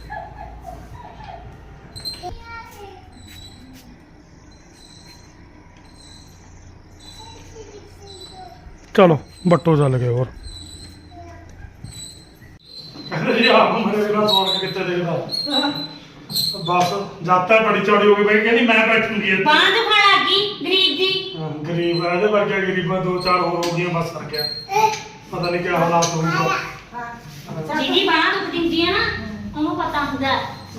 Speaker 1: ਚਲੋ ਬੱਟੋ ਚੱਲ ਗਏ ਹੋਰ ਕਹਿੰਦੇ ਜੀ ਆਪ ਮਰੇ ਬਿਨਾ ਸੌਣ ਕੇ ਕਿੱਥੇ ਦੇਖਦਾ ਬਸ ਜਾਤਾ ਬੜੀ ਚੌੜੀ ਹੋ ਗਈ ਬਈ ਕਹਿੰਦੀ ਮੈਂ ਬੈਠੂੰਗੀ ਇੱਥੇ
Speaker 2: ਬਾਂਹ ਦੁਖਣ ਲੱਗ ਗਈ ਗਰੀਬ ਦੀ
Speaker 1: ਹਾਂ, ਗਰੀਬ ਆ, ਇਹਦੇ ਵਰਗੇ ਗਰੀਬਾਂ ਦੋ ਚਾਰ ਹੋਰ ਹੋ ਗਈਆਂ ਬਸ ਸਰ ਗਿਆ ਪਤਾ ਨਹੀਂ ਕਿਆ ਹਾਲਾਤ ਹੋਊਗਾ
Speaker 2: ਜਿਹਦੀ ਬਾਂਹ ਦੁਖ ਦਿੰਦੀ ਆ ਨਾ ਉਹਨੂੰ ਪਤਾ ਹੁੰਦਾ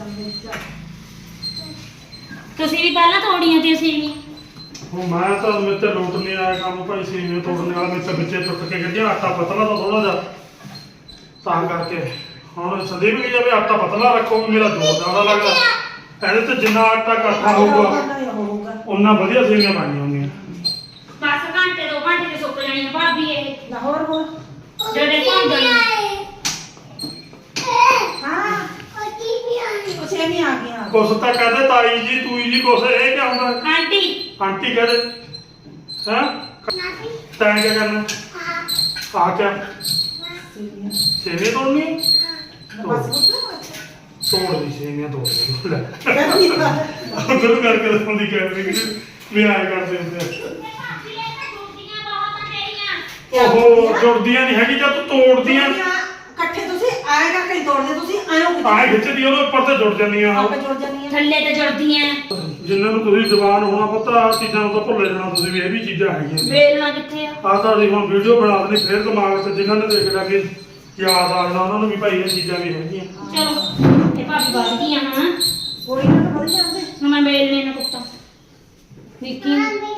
Speaker 2: ਤੁਸੀਂ ਵੀ ਪਹਿਲਾਂ ਤੋੜੀਆਂ ਤੇ ਅਸੀਂ ਵੀ
Speaker 1: ਹੁਣ ਮੈਂ ਤਾਂ ਮੇਰੇ ਤੇ ਲੋਟ ਨਹੀਂ ਆਇਆ ਕੰਮ ਭਾਈ ਸੀਵੇਂ ਤੋੜਨੇ ਵਾਲਾ ਮੇਰੇ ਤੇ ਵਿੱਚੇ ਟੁੱਟ ਕੇ ਗਿਰ ਗਿਆ ਆਟਾ ਪਤਲਾ ਤਾਂ ਥੋੜਾ ਜਿਹਾ ਤਾਂ ਕਰਕੇ ਹੁਣ ਸੰਦੀਪ ਕੀ ਜਾਵੇ ਆਟਾ ਪਤਲਾ ਰੱਖੋ ਵੀ ਮੇਰਾ ਜ਼ੋਰ ਜ਼ਿਆਦਾ ਲੱਗਦਾ ਇਹਦੇ ਤੇ ਜਿੰਨਾ ਆਟਾ ਇਕੱਠਾ ਹੋਊਗਾ
Speaker 3: ਹੋਊਗਾ
Speaker 1: ਉਨਾ ਵਧੀਆ ਸੇਵੀਆਂ ਬਣਨੀਆਂ ਹੁੰਦੀਆਂ
Speaker 2: ਬਸ ਘੰਟੇ ਦੋ ਘੰਟੇ ਦੇ ਸੁੱਕ ਜਾਣੀਆਂ ਭਾਬੀ ਇਹ
Speaker 3: ਲਾਹੌਰ ਹੋਰ
Speaker 2: ਜਿਹੜੇ ਭਾਂਡੇ
Speaker 3: ਹਾਂ ਉਹ ਸੇਵੀਆਂ ਆ ਗਈਆਂ
Speaker 1: ਕੁਛ ਤਾਂ ਕਹਿੰਦੇ ਤਾਈ ਜੀ ਤੂਈ ਜੀ ਕੁਛ ਇਹ ਕਿਆ ਹੁੰਦਾ
Speaker 2: ਆਂਟੀ
Speaker 1: ਆਂਟੀ ਕਹਿੰਦੇ ਹਾਂ ਤੈਂ ਕਿਆ ਕਰਨਾ ਆ ਕਿਆ
Speaker 3: ਸੇਵੀਆਂ
Speaker 1: ਸੇਵੀਆਂ ਤੋੜਨੀ
Speaker 3: ਬਸ ਪੁੱਤ
Speaker 1: ਤੋੜ ਦੀ ਸੇਵੀਆਂ ਤੋੜ ਦੇ ਲੈ
Speaker 3: ਕਹਿੰਦੀ ਆ।
Speaker 1: ਉਧਰ ਕਰਕੇ ਦੱਸਦੀ ਕੈਮਰੇ ਕਿ ਵੀ ਆਏ ਕਰਦੇ ਹੁੰਦੇ ਆ। ਓਹੋ ਜੁੜਦੀਆਂ ਨਹੀਂ ਹੈਗੀ ਜਦ ਤੂੰ ਤੋੜਦੀਆਂ
Speaker 3: ਇਕੱਠੇ ਤੁਸੀਂ ਆਏ ਕਰਕੇ ਨਹੀਂ ਤੋੜਦੇ ਤੁਸੀਂ ਆਇਓ
Speaker 1: ਆਏ ਖਿੱਚਦੀ ਉਹਦੇ ਉੱਪਰ ਤੇ ਜੁੜ ਜਾਂਦੀਆਂ
Speaker 3: ਆਪੇ ਜੁੜ ਜਾਂਦੀਆਂ
Speaker 2: ਥੱਲੇ ਤੇ ਜੁੜਦੀਆਂ
Speaker 1: ਜਿੰਨਾਂ ਨੂੰ ਤੁਸੀਂ ਜਵਾਨ ਹੋਣਾ ਪਤਾ ਆਹ ਚੀਜ਼ਾਂ ਨੂੰ ਤਾਂ ਭੁੱਲੇ ਜਾਣਾ ਤੁਸੀਂ ਵੀ ਇਹ ਵੀ ਚੀਜ਼ਾਂ ਹੈਗੀਆਂ
Speaker 2: ਵੇਲਣਾ ਕਿੱਥੇ ਆ
Speaker 1: ਆਹ ਤਾਂ ਅਸੀਂ ਹੁਣ ਵੀਡੀਓ ਬਣਾ ਦੇਣੀ ਫਿਰ ਦਿਮਾਗ 'ਚ ਜਿਨ੍ਹਾਂ ਨੇ ਦੇਖ ਲਿਆ ਕਿ ਯਾਦ ਆ ਜਾਣਾ ਉਹਨਾਂ ਨੂੰ ਵੀ ਭਾਈ ਇਹ ਚੀਜ਼ਾਂ ਵੀ ਹੈਗੀਆਂ
Speaker 2: ਚਲੋ ਇਹ ਭਾਬੀ ਵੱਧ ਗਈਆਂ ਹਾਂ
Speaker 3: ਕੋਈ ਨਾ ਤਾਂ ਵਧ ਜਾਂਦੇ
Speaker 2: ਹੁਣ ਮੈਂ ਵੇਲਣੇ ਨਾ ਕੁੱਤਾ ਵਿੱਕੀ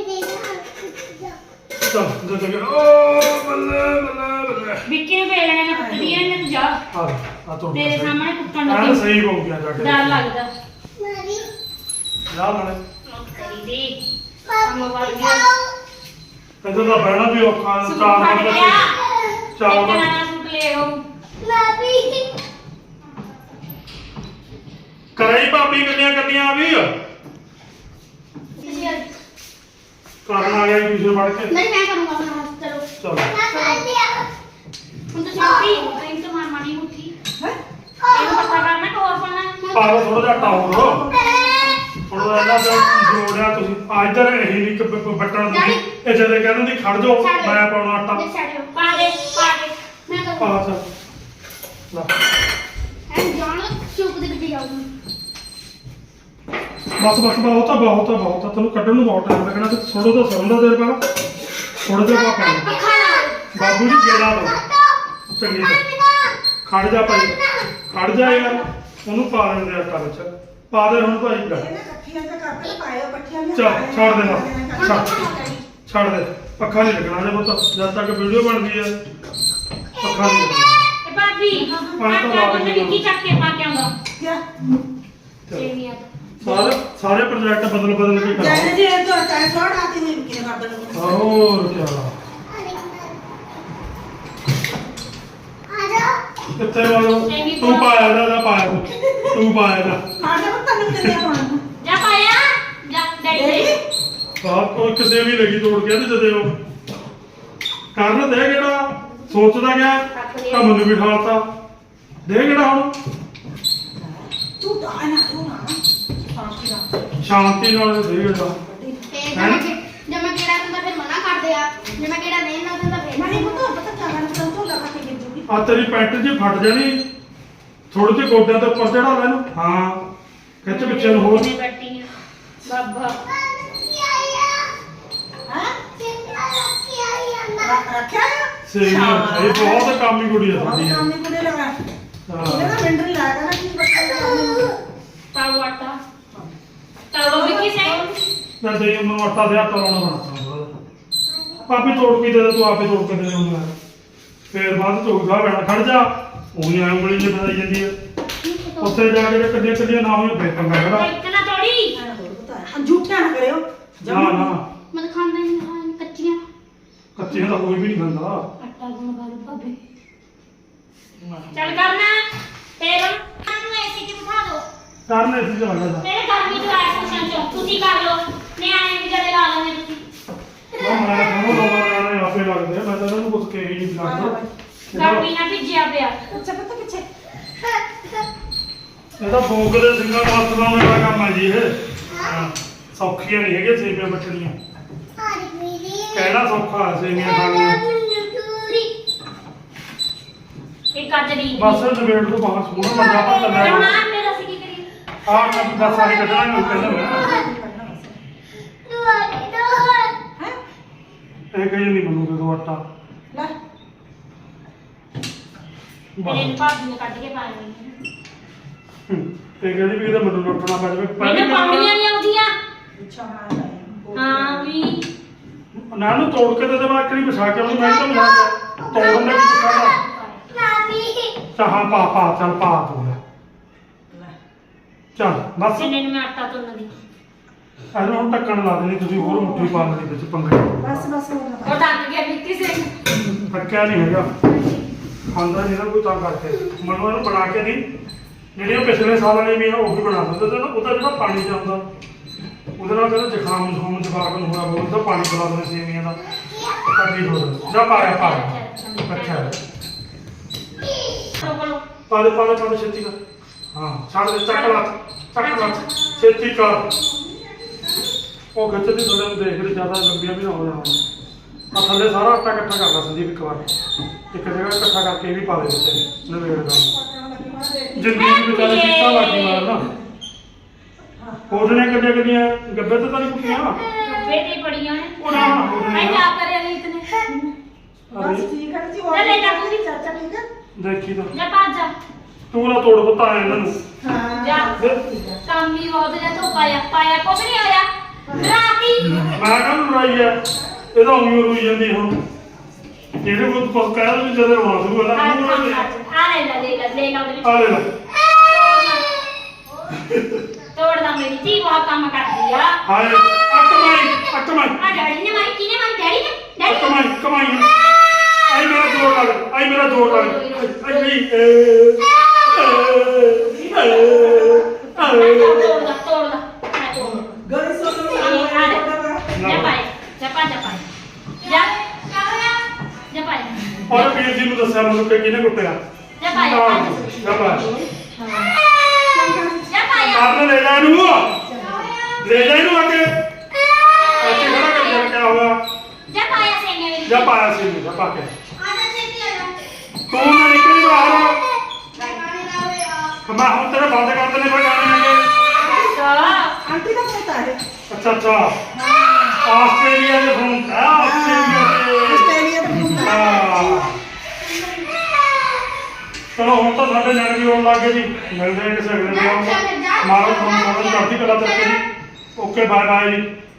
Speaker 1: ਚੱਲ ਦੇ ਦੇ ਓ ਬੱਲੇ ਬੱਲੇ ਬੱਲੇ
Speaker 2: ਵਿੱਕੀ ਨੂੰ ਵੇਲਣੇ ਨਾ ਕੁੱਟਦੀ ਐ ਇਹਨੇ ਤੂੰ ਜਾ
Speaker 1: ਆ ਆ ਤੋੜ
Speaker 2: ਤੇਰੇ ਸਾਹਮਣੇ ਕੁੱਟਣ
Speaker 1: ਆਹ
Speaker 2: ਲੱਗੀ
Speaker 1: ਸਹੀ ਹੋ ਗਿਆ ਜਾ ਕੇ
Speaker 2: ਡਰ ਲੱਗਦਾ
Speaker 1: ਜਾ ਨਾਲੇ
Speaker 2: ਕਰੀ ਦੀ ਕੰਮ ਵੱਧ ਗਿਆ
Speaker 1: ਇੱਧਰ ਤਾਂ ਬਹਿਣਾ ਵੀ ਔਖਾ
Speaker 2: ਸੂਟ
Speaker 1: ਚਾਰ
Speaker 2: ਫੜ
Speaker 1: ਨੰਬਰ
Speaker 2: ਗਿਆ
Speaker 1: ਚਾਰ
Speaker 2: ਇੱਕ
Speaker 1: ਨੰਬਰ
Speaker 2: ਨਵਾਂ ਸੂਟ ਲੈ ਆਓ
Speaker 1: ਕਰਾਈ ਭਾਬੀ ਗੱਲਾਂ ਕਰਨੀਆਂ ਆ ਵੀ ਕਰਨ ਆ ਗਿਆ ਟਿਊਸ਼ਨ ਪੜ੍ਹ ਕੇ
Speaker 2: ਨਹੀਂ ਮੈਂ ਕਰੂੰਗਾ ਹੁਣ ਚਲੋ
Speaker 1: ਚਲੋ
Speaker 2: ਹੁਣ ਤੁਸੀਂ ਉੱਠੀ ਟਾਈਮ ਤੋਂ ਮਾਰ ਮਾਣੀ ਉੱਠੀ
Speaker 3: ਹੈ
Speaker 2: ਇਹਨੂੰ ਪਤਾ ਕਰਨਾ ਕਿ ਹੋਰ ਪੜਨਾ
Speaker 1: ਪਾ ਲਓ ਥੋੜਾ ਜਿਹਾ ਟਾਉਰ ਹੁਣ ਇਹਨਾਂ ਦਾ ਜੋੜਿਆ ਤੁਸੀਂ ਆ ਇੱਧਰ ਇਹ ਨਹੀਂ ਕਿ ਬ- ਬੱਟਣ ਦੀ ਇਹ ਜਦੋਂ ਕਹਿੰਦੇ ਦੀ ਖੜ ਜਾਓ ਮੈਂ ਪਾਉਣਾ ਆਟਾ
Speaker 2: ਪਾ ਦੇ ਪਾ ਦੇ ਮੈਂ ਕਰੂੰ
Speaker 1: ਪਾ ਚੱਲ ਲੈ
Speaker 2: ਐਂ ਜਾਣ ਚੁੱਪ ਦੇ ਗੱਡੀ ਜਾਊਂ
Speaker 1: ਬਸ ਬਸ ਬਹੁਤ ਆ ਬਹੁਤ ਆ ਬਹੁਤ ਆ ਤੈਨੂੰ ਕੱਢਣ ਨੂੰ ਬਹੁਤ ਟਾਈਮ ਲੱਗਣਾ ਤੇ ਥੋੜਾ ਜਿਹਾ ਸਰੋਂ ਦਾ ਤੇਲ ਪਾ ਥੋੜਾ ਜਿਹਾ ਪਾ ਪਾਣੀ ਬਾਬੂ ਜੀ ਗੇੜਾ ਲਓ ਚੰਗੀ ਤਰ੍ਹਾਂ ਖੜ ਜਾ ਭਾਈ ਖੜ ਜਾ ਯਾਰ ਉਹਨੂੰ ਪਾ ਦਿੰਦੇ ਆ ਕਰ ਚ ਪਾ ਦੇ ਹੁਣ ਭਾਈ ਕਰ
Speaker 3: ਇਹ ਨਾ ਇਕੱਠੀਆਂ ਤੇ ਕਰਕੇ ਪਾਇਓ ਇਕੱਠੀਆਂ ਵੀ
Speaker 1: ਚੱਲ ਛੱਡ ਦੇ ਬਸ ਛੱਡ ਛੱਡ ਦੇ ਪੱਖਾ ਨਹੀਂ ਲੱਗਣਾ ਜੇ ਪੁੱਤ ਜਦ ਤੱਕ ਵੀਡੀਓ ਬਣਦੀ ਹੈ ਪੱਖਾ ਨਹੀਂ ਲੱਗਣਾ
Speaker 2: ਤੇ ਭਾਬੀ ਆਟਾ ਉਹਨੇ ਵਿੱਕੀ ਚੱਕ ਕੇ ਪਾ ਕੇ ਆਉਂਦਾ
Speaker 3: ਕਿਆ
Speaker 2: ਸੇਵੀਆਂ
Speaker 1: ਸਾਰੇ ਸਾਰੇ ਪ੍ਰੋਜੈਕਟ ਬਦਲ ਬਦਲ ਕੇ
Speaker 3: ਜੈਸੇ
Speaker 1: ਕਰਾਓ
Speaker 3: ਜੀ ਇਹ ਤੋਂ ਚਾਹ ਛੋੜ ਆਤੀ ਨਹੀਂ ਕਿਨੇ ਕਰ ਦੇਣਾ
Speaker 1: ਹੋਰ ਕੀ ਹਾਲ ਕਿੱਥੇ ਵਾਲੋ ਤੂੰ ਪਾਇਆ ਦਾ ਦਾ ਪਾਇਆ ਤੂੰ ਤੂੰ ਪਾਇਆ ਦਾ
Speaker 3: ਖਾ ਜਾ ਪੁੱਤ ਤੈਨੂੰ ਕਿੰਨੇ ਪਾਉਣਾ
Speaker 2: ਜਾ ਪਾਇਆ ਜਾ ਡੈਡੀ ਦੇ
Speaker 1: ਬਾਪ ਕੋਈ ਕਿਸੇ ਵੀ ਲੱਗੀ ਤੋੜ ਕੇ ਤੇ ਜਦੇ ਉਹ ਕਰਨ ਦੇ ਕਿਹੜਾ ਸੋਚਦਾ ਗਿਆ ਤਾਂ ਮੈਨੂੰ ਵੀ ਠਾਲਤਾ ਦੇ ਕਿਹੜਾ ਹੁਣ
Speaker 3: ਤੂੰ ਤਾਂ ਨਾ ਤੂੰ ਨਾ ਸ਼ਾਂਤੀ ਨਾਲ
Speaker 1: ਸ਼ਾਂਤੀ ਨਾਲ ਦੇ ਕਿਹੜਾ
Speaker 4: ਤੇ ਜੇ ਮੈਂ ਕਿ- ਜੇ ਮੈਂ ਕਿਹੜਾ ਦਿੰਦਾ ਫਿਰ ਮਨਾ ਕਰਦੇ ਆ ਜੇ ਮੈਂ ਕਿਹੜਾ ਨਹੀਂ ਨਾ ਦਿੰਦਾ ਫਿਰ
Speaker 3: ਨਹੀਂ ਪੁੱਤ ਪਤਾ ਕਿਆ ਗੱਲ ਤੂੰ ਤੋਂ ਲਗਾ ਕੇ ਗਿਰ ਜੂਗੀ
Speaker 1: ਆ ਤੇਰੀ ਪੈਂਟ ਜੀ ਫਟ ਜਾਣੀ ਥੋੜੇ ਜਿਹੇ ਗੋਡਿਆਂ ਤੇ ਉੱਪਰ ਚੜਾ ਲੈ ਨੂੰ ਹਾਂ ਖਿੱਚ ਪਿੱਛੇ ਨੂੰ ਹੋਰ
Speaker 2: ਕਿਵੇਂ ਬੈਠੀ ਆ ਬਾਬਾ
Speaker 3: ਹਾਂ
Speaker 4: ਰੱਖਿਆ
Speaker 3: ਰੱਖਿਆ
Speaker 1: ਸੇਵੀਆਂ ਇਹ ਬਹੁਤ ਕਾਮੀ ਕੁੜੀ ਆ
Speaker 3: ਬਹੁਤ
Speaker 1: ਸਾਡੀ
Speaker 3: ਕੰਮ ਨਹੀਂ ਕੁੜੇ ਲਗਾ ਇਹਨੇ ਨਾ ਮਿੰਟ ਨਹੀਂ ਲਾਇਆ ਨਾ ਕੀ ਬੱਚਾ
Speaker 2: ਪਾਉ ਆਟਾ ਤਾਵਾ ਵਿੱਕੀ ਸੇ
Speaker 1: ਮੈਂ ਦੇ ਉਹਨੂੰ ਆਟਾ ਦੇ ਆਟਾ ਲਾਉਣਾ ਬਣਾ ਪਾਪੀ ਤੋੜ ਕੇ ਦੇ ਦੇ ਤੂੰ ਆਪੇ ਤੋੜ ਕੇ ਦੇ ਦੇ ਉਹਨੂੰ ਫੇਰ ਬਾਅਦ ਚ ਗਾ ਬੈਣਾ ਖੜ ਜਾ ਉਹੀ ਐਂ ਉਂਗਲੀ ਜਿ ਫਸਾਈ ਜਾਂਦੀ ਹੈ ਉੱਥੇ ਜਾ ਕੇ ਕੱਢੀਆਂ ਕੱਢੀਆਂ ਨਾ ਹੋਈ ਫੇਰ ਪੰਗਾ ਖੜਾ
Speaker 2: ਇੱਕ ਨਾ ਤੋੜੀ
Speaker 3: ਝੂਠਿਆ ਨਾ ਕਰਿਓ
Speaker 1: ਨਾ ਨਾ
Speaker 4: ਮੈਂ ਤਾਂ ਖਾਂਦਾ ਹੀ ਨਹੀਂ ਹਾਂ ਕੱਚੀਆਂ
Speaker 1: ਕੱਚੀਆਂ ਤਾਂ ਕੋਈ ਵੀ ਨਹੀਂ ਖਾਂਦਾ
Speaker 2: ਆਟਾ ਗੁੰਨ ਬਾਲੂ ਭਾਬੀ ਚੱਲ ਕਰਨਾ ਫੇਰ ਨੂੰ ਐਸੀ ਕਿ ਬਿਠਾ ਦੋ
Speaker 1: ਕਰਨੇ ਸੀ ਲੱਗਦਾ
Speaker 2: ਮੇਰੇ ਗਰਮੀ ਚ ਆਇਆ ਕੁਸ਼ਨ ਚ ਤੁਸੀਂ ਕਰ ਲਓ ਨਿਆਣੇ ਵੀ ਜਦੇ ਲਾ ਲੈਣੇ ਤੁਸੀਂ
Speaker 1: ਉਹ ਮੈਂ ਤੁਹਾਨੂੰ ਲੋਕਾਂ ਨੇ ਆਪੇ ਲੱਗਦੇ ਆ, ਮੈਂ ਤਾਂ ਇਹਨਾਂ ਨੂੰ ਕੁਝ ਕਹੀ ਨਹੀਂ ਲੱਗਦਾ
Speaker 2: ਗਰਮੀ ਨਾਲ ਭਿੱਜਿਆ ਪਿਆ
Speaker 3: ਅੱਛਾ ਪਤਾ ਪਿੱਛੇ
Speaker 1: ਇਹਦਾ ਫੋਕ ਦੇ ਸਿੰਘਾਂ ਨੂੰ ਹੱਥ ਲਾਉਣ ਵਾਲਾ ਕੰਮ ਆ ਜੀ ਇਹ ਹਾਂ, ਸੌਖੀਆਂ ਨਹੀਂ ਹੈਗੀਆਂ ਸੇਵੀਆਂ ਬੱਟਣੀਆਂ ਕਹਿਣਾ ਸੌਖਾ ਹੈ ਸੇਵੀਆਂ ਖਾਣੀਆਂ
Speaker 2: ਇਹ ਕੱਜਰੀ
Speaker 1: ਬਸ ਨਵੇੜ ਤੋਂ ਬਾਹਰ ਸੋਹਣਾ ਬੰਦਾ ਪਰ ਚੱਲਿਆ
Speaker 2: ਹੁਣ ਆਹ ਮੇਰਾ ਸੀ ਕੀ ਕਰੀ
Speaker 1: ਆਹ ਕੰਮ ਬਸ ਆਹੀ ਕੱਢਣਾ ਨਹੀਂ ਕਹਿੰਦਾ ਮੈਂ
Speaker 3: ਹੈ
Speaker 1: ਇਹ ਕਹੀ ਨਹੀਂ ਬਣੂਗਾ ਤੂੰ ਆਟਾ
Speaker 3: ਲੈ
Speaker 2: ਮੇਰੇ ਭਾਬੀ ਨੇ ਕੱਢ ਕੇ ਪਾ ਲਈ
Speaker 1: ਇਹ ਕਹਿੰਦੀ ਵੀ ਇਹਦਾ ਮੈਨੂੰ ਨੱਠਣਾ ਪੈ ਜਾਵੇ
Speaker 2: ਮੈਨੂੰ ਪਾਉਣੀਆਂ ਨਹੀਂ ਆਉਂਦੀਆਂ
Speaker 3: ਅੱਛਾ ਬਣਾ
Speaker 2: ਹਾਂ ਵੀ
Speaker 1: ਨਾ ਨੂੰ ਤੋੜ ਕੇ ਤੇ ਤੇ ਬਾਕਰੀ ਵਿਛਾ ਕੇ ਉਹਨੂੰ ਮੈਂ ਤਾਂ ਮਿਲਾ ਕੇ ਤੋੜਨ ਦਾ ਕੀ ਪਤਾ ਚਾਹਾਂ ਪਾ ਪਾ ਚੱਲ ਪਾ ਤੂੰ ਲੈ। ਚੱਲ ਬਸ
Speaker 2: ਜਿੰਨੇ ਨੂੰ ਮੈਂ ਆਟਾ ਤੁੰਨ ਦੀ
Speaker 1: ਇਹਨੂੰ ਹੁਣ ਟੱਕਣ ਲਾ ਦੇਣੀ ਤੁਸੀਂ ਹੋਰ ਮੁੱਠੀ ਪਾ ਲੈਣੀ ਵਿੱਚ ਪੰਗੇ
Speaker 3: ਬਸ ਬਸ ਹੋ ਗਿਆ
Speaker 2: ਉਹ ਟੱਕ ਗਿਆ ਵਿੱਕੀ ਸਿੰਘ
Speaker 1: ਟੱਕਿਆ ਨਹੀਂ ਹੈਗਾ ਖਾਂਦਾ ਨਹੀਂ ਨਾ ਕੋਈ ਤਾਂ ਕਰਕੇ ਮੈਨੂੰ ਇਹਨੂੰ ਬਣਾ ਕੇ ਨਹੀਂ ਜਿਹੜੀਆਂ ਪਿਛਲੇ ਸਾਲ ਵਾਲੀਆਂ ਵੀ ਆ ਉਹ ਵੀ ਬਣਾ ਦਿੰਦੇ ਤੇ ਨਾ ਉਹਦਾ ਜਿਹੜਾ ਪਾਣੀ ਚ ਆਉਂਦਾ ਉਹਦੇ ਨਾਲ ਕਹਿੰਦਾ ਜ਼ੁਕਾਮ ਜ਼ੁਕਾਮ ਜਵਾਕ ਨੂੰ ਹੋਣਾ ਬਹੁਤ ਤਾਂ ਪਾਣੀ ਪਿਲਾ ਦਿੰਦੇ ਸੇਵੀਆਂ ਦਾ ਕੱਢੀ ਹੋ ਜਾਂਦਾ ਜਾਂ ਪਾਇਆ ਪਾਇਆ ਅੱਛਾ ਪਾ ਦੇ ਪਾ ਦੇ ਪਾ ਦੇ ਛੇਤੀ ਕਰ ਹਾਂ ਛੱਡ ਦੇ ਚੱਕ ਲਾ ਚੱਕ ਲਾ ਛੇਤੀ ਕਰ ਉਹ ਖਿੱਚਦੀ ਥੋੜੇ ਨੂੰ ਦੇਖ ਲਈ ਜ਼ਿਆਦਾ ਲੰਬੀਆਂ ਵੀ ਨਾ ਹੋ ਜਾਣ ਆ ਥੱਲੇ ਸਾਰਾ ਆਟਾ ਇਕੱਠਾ ਕਰ ਲਾ ਸੰਦੀਪ ਇੱਕ ਵਾਰ ਇੱਕ ਜਗ੍ਹਾ ਇਕੱਠਾ ਕਰਕੇ ਇਹ ਵੀ ਪਾ ਦੇ ਵਿੱਚ ਨਵੇੜ ਦਾ ਜਿੰਦਗੀ ਚ ਵਿਚਾਰੇ ਸੀਟਾਂ ਲੱਗ ਗਈਆਂ ਨਾ ਉਹਦੇ ਕੱਢਿਆ ਕੱਢੀਆਂ ਗੱਬੇ ਤੇ ਤਾਂ ਨਹੀਂ ਕੁੱਟੀਆਂ
Speaker 2: ਗੱਬੇ ਤੇ ਬੜੀਆਂ ਨੇ
Speaker 1: ਉਹ ਨਾ
Speaker 2: ਮੈਂ ਕਿਆ ਕਰਿਆ ਨਹੀਂ ਇਤਨੇ
Speaker 3: ਬਸ ਠੀਕ ਹੈ ਜੀ ਉਹ
Speaker 2: ਲੈ ਲੈ ਜਾ ਤੂੰ ਵੀ।
Speaker 3: ਚਾਚਾ ਠੀਕ ਹੈ
Speaker 1: ਦੇਖੀ ਤਾਂ
Speaker 2: ਜਾ ਭੱਜ ਜਾ
Speaker 1: ਤੂੰ ਨਾ ਤੋੜ ਪਤਾ ਇਹਨਾਂ ਨੂੰ
Speaker 3: ਹਾਂ
Speaker 2: ਜਾ ਕੰਮ ਹੀ ਬਹੁਤ ਜਾ ਤੋ ਪਾਇਆ ਪਾਇਆ ਕੁਛ ਨਹੀਂ ਹੋਇਆ ਰਾਤੀ
Speaker 1: ਮੈਂ ਕਹਿੰਦਾ ਲੜਾਈ ਆ ਇਹਦਾ ਉਮਰ ਰੋਈ ਜਾਂਦੀ ਹੁਣ ਜਿਹੜੇ ਕੋਲ ਕੁਝ ਕਹਿ ਦੋ ਜਦੋਂ ਰੋਣਾ ਸ਼ੁਰੂ ਹੋਣਾ
Speaker 2: ਆ
Speaker 1: ਮੂੰਹ ਨਾਲ
Speaker 2: ਲੈ ਲੈ ਲੈ ਲੈ ਲੈ ਲਾ ਉਹਦੇ ਵਿੱਚ
Speaker 1: ਆ ਲੈ ਲੈ
Speaker 2: ਤੋੜਦਾ ਮੇਰੀ ਧੀ ਬਹੁਤ ਕੰਮ ਕਰਦੀ ਆ
Speaker 1: ਹਾਏ ਆ ਕਮਾਈ ਆ ਕਮਾਈ
Speaker 2: ਆ ਡੈਡੀ ਨੇ ਮਾਰੀ ਕਿਨੇ ਮਾਰੀ ਡੈਡੀ ਨੇ
Speaker 1: ਆ
Speaker 2: ਡੈਡੀ ਨੇ
Speaker 1: ਕਮਾਈ ਕਮਾਈ ਆਈ ਮੇਰਾ ਜੋਰ ਲੱਗ ਆਈ ਮੇਰਾ ਜੋਰ ਲੱਗ ਆਈ ਨਹੀਂ ਏ
Speaker 2: ਤੋੜਦਾ ਤੋੜਦਾ ਮੈਂ ਤੋੜਦਾ
Speaker 3: ਗਲੀ ਸੋਚ
Speaker 2: ਜਾ ਪਾਏ ਜਾ ਪਾ ਜਾ ਪਾਏ ਜਾ ਜਾ ਪਾਏ
Speaker 1: ਔਰ ਵੀਰ ਜੀ ਨੂੰ ਦੱਸਿਆ ਮੈਨੂੰ ਕਿ ਕਿਹਨੇ ਕੁੱਟਿਆ
Speaker 2: ਜਾ ਪਾਏ
Speaker 1: ਜਾ ਪਾ
Speaker 2: ਜਾ ਪਾਏ
Speaker 1: ਆਪਨੇ ਲੈ ਜਾ ਇਹਨੂੰ ਲੈ ਜਾ ਇਹਨੂੰ ਅੱਗੇ ਅੱਗੇ ਖੜਾ ਕਰ ਜਾ ਕਿਆ ਹੋਇਆ
Speaker 2: ਜਾ ਪਾਇਆ ਸੇਨੇ ਮੇਰੀ
Speaker 1: ਜਾ ਪਾਇਆ ਸੀ ਜਾ ਪਾ ਕੇ
Speaker 4: ਆ ਜਾ ਛੇਤੀ ਆ ਜਾ
Speaker 1: ਤੂੰ ਨਾ ਨਿਕਲੀ ਬਾਹਰ
Speaker 4: ਮੈਂ ਗਾਣੇ ਲਾ ਹੋਇਆ
Speaker 1: ਮੈਂ ਹੁਣ ਤੇਰੇ ਬੰਦ ਕਰ ਦੇਣੇ ਫਿਰ ਗਾਣੇ ਲੱਗੇ
Speaker 3: ਆਂਟੀ ਦਾ ਪੁੱਤ ਹੈ
Speaker 1: ਅੱਛਾ ਅੱਛਾ ਆਸਟ੍ਰੇਲੀਆ ਦੇ ਫੋਨ ਆ ਆਸਟ੍ਰੇਲੀਆ ਦੇ
Speaker 3: ਆਸਟ੍ਰੇਲੀਆ ਦਾ ਪੁੱਤ ਹੈ
Speaker 1: ਹਾਂ। ਚਲੋ ਹੁਣ ਤਾਂ ਸਾਡੇ ਨਿਆਣੇ ਵੀ ਆਉਣ ਲੱਗ ਗਏ ਜੀ ਮਿਲਦੇ ਹਾਂ ਕਿਸੇ ਅਗਲੇ ਵੀਡੀਓ ਵਿੱਚ ਮਾਰੋ ਤੁਹਾਨੂੰ ਬਹੁਤ ਚੜ੍ਹਦੀ ਕਲਾ ਤੱਕ ਜੀ ਓਕੇ ਬਾਏ ਬਾਏ ਜੀ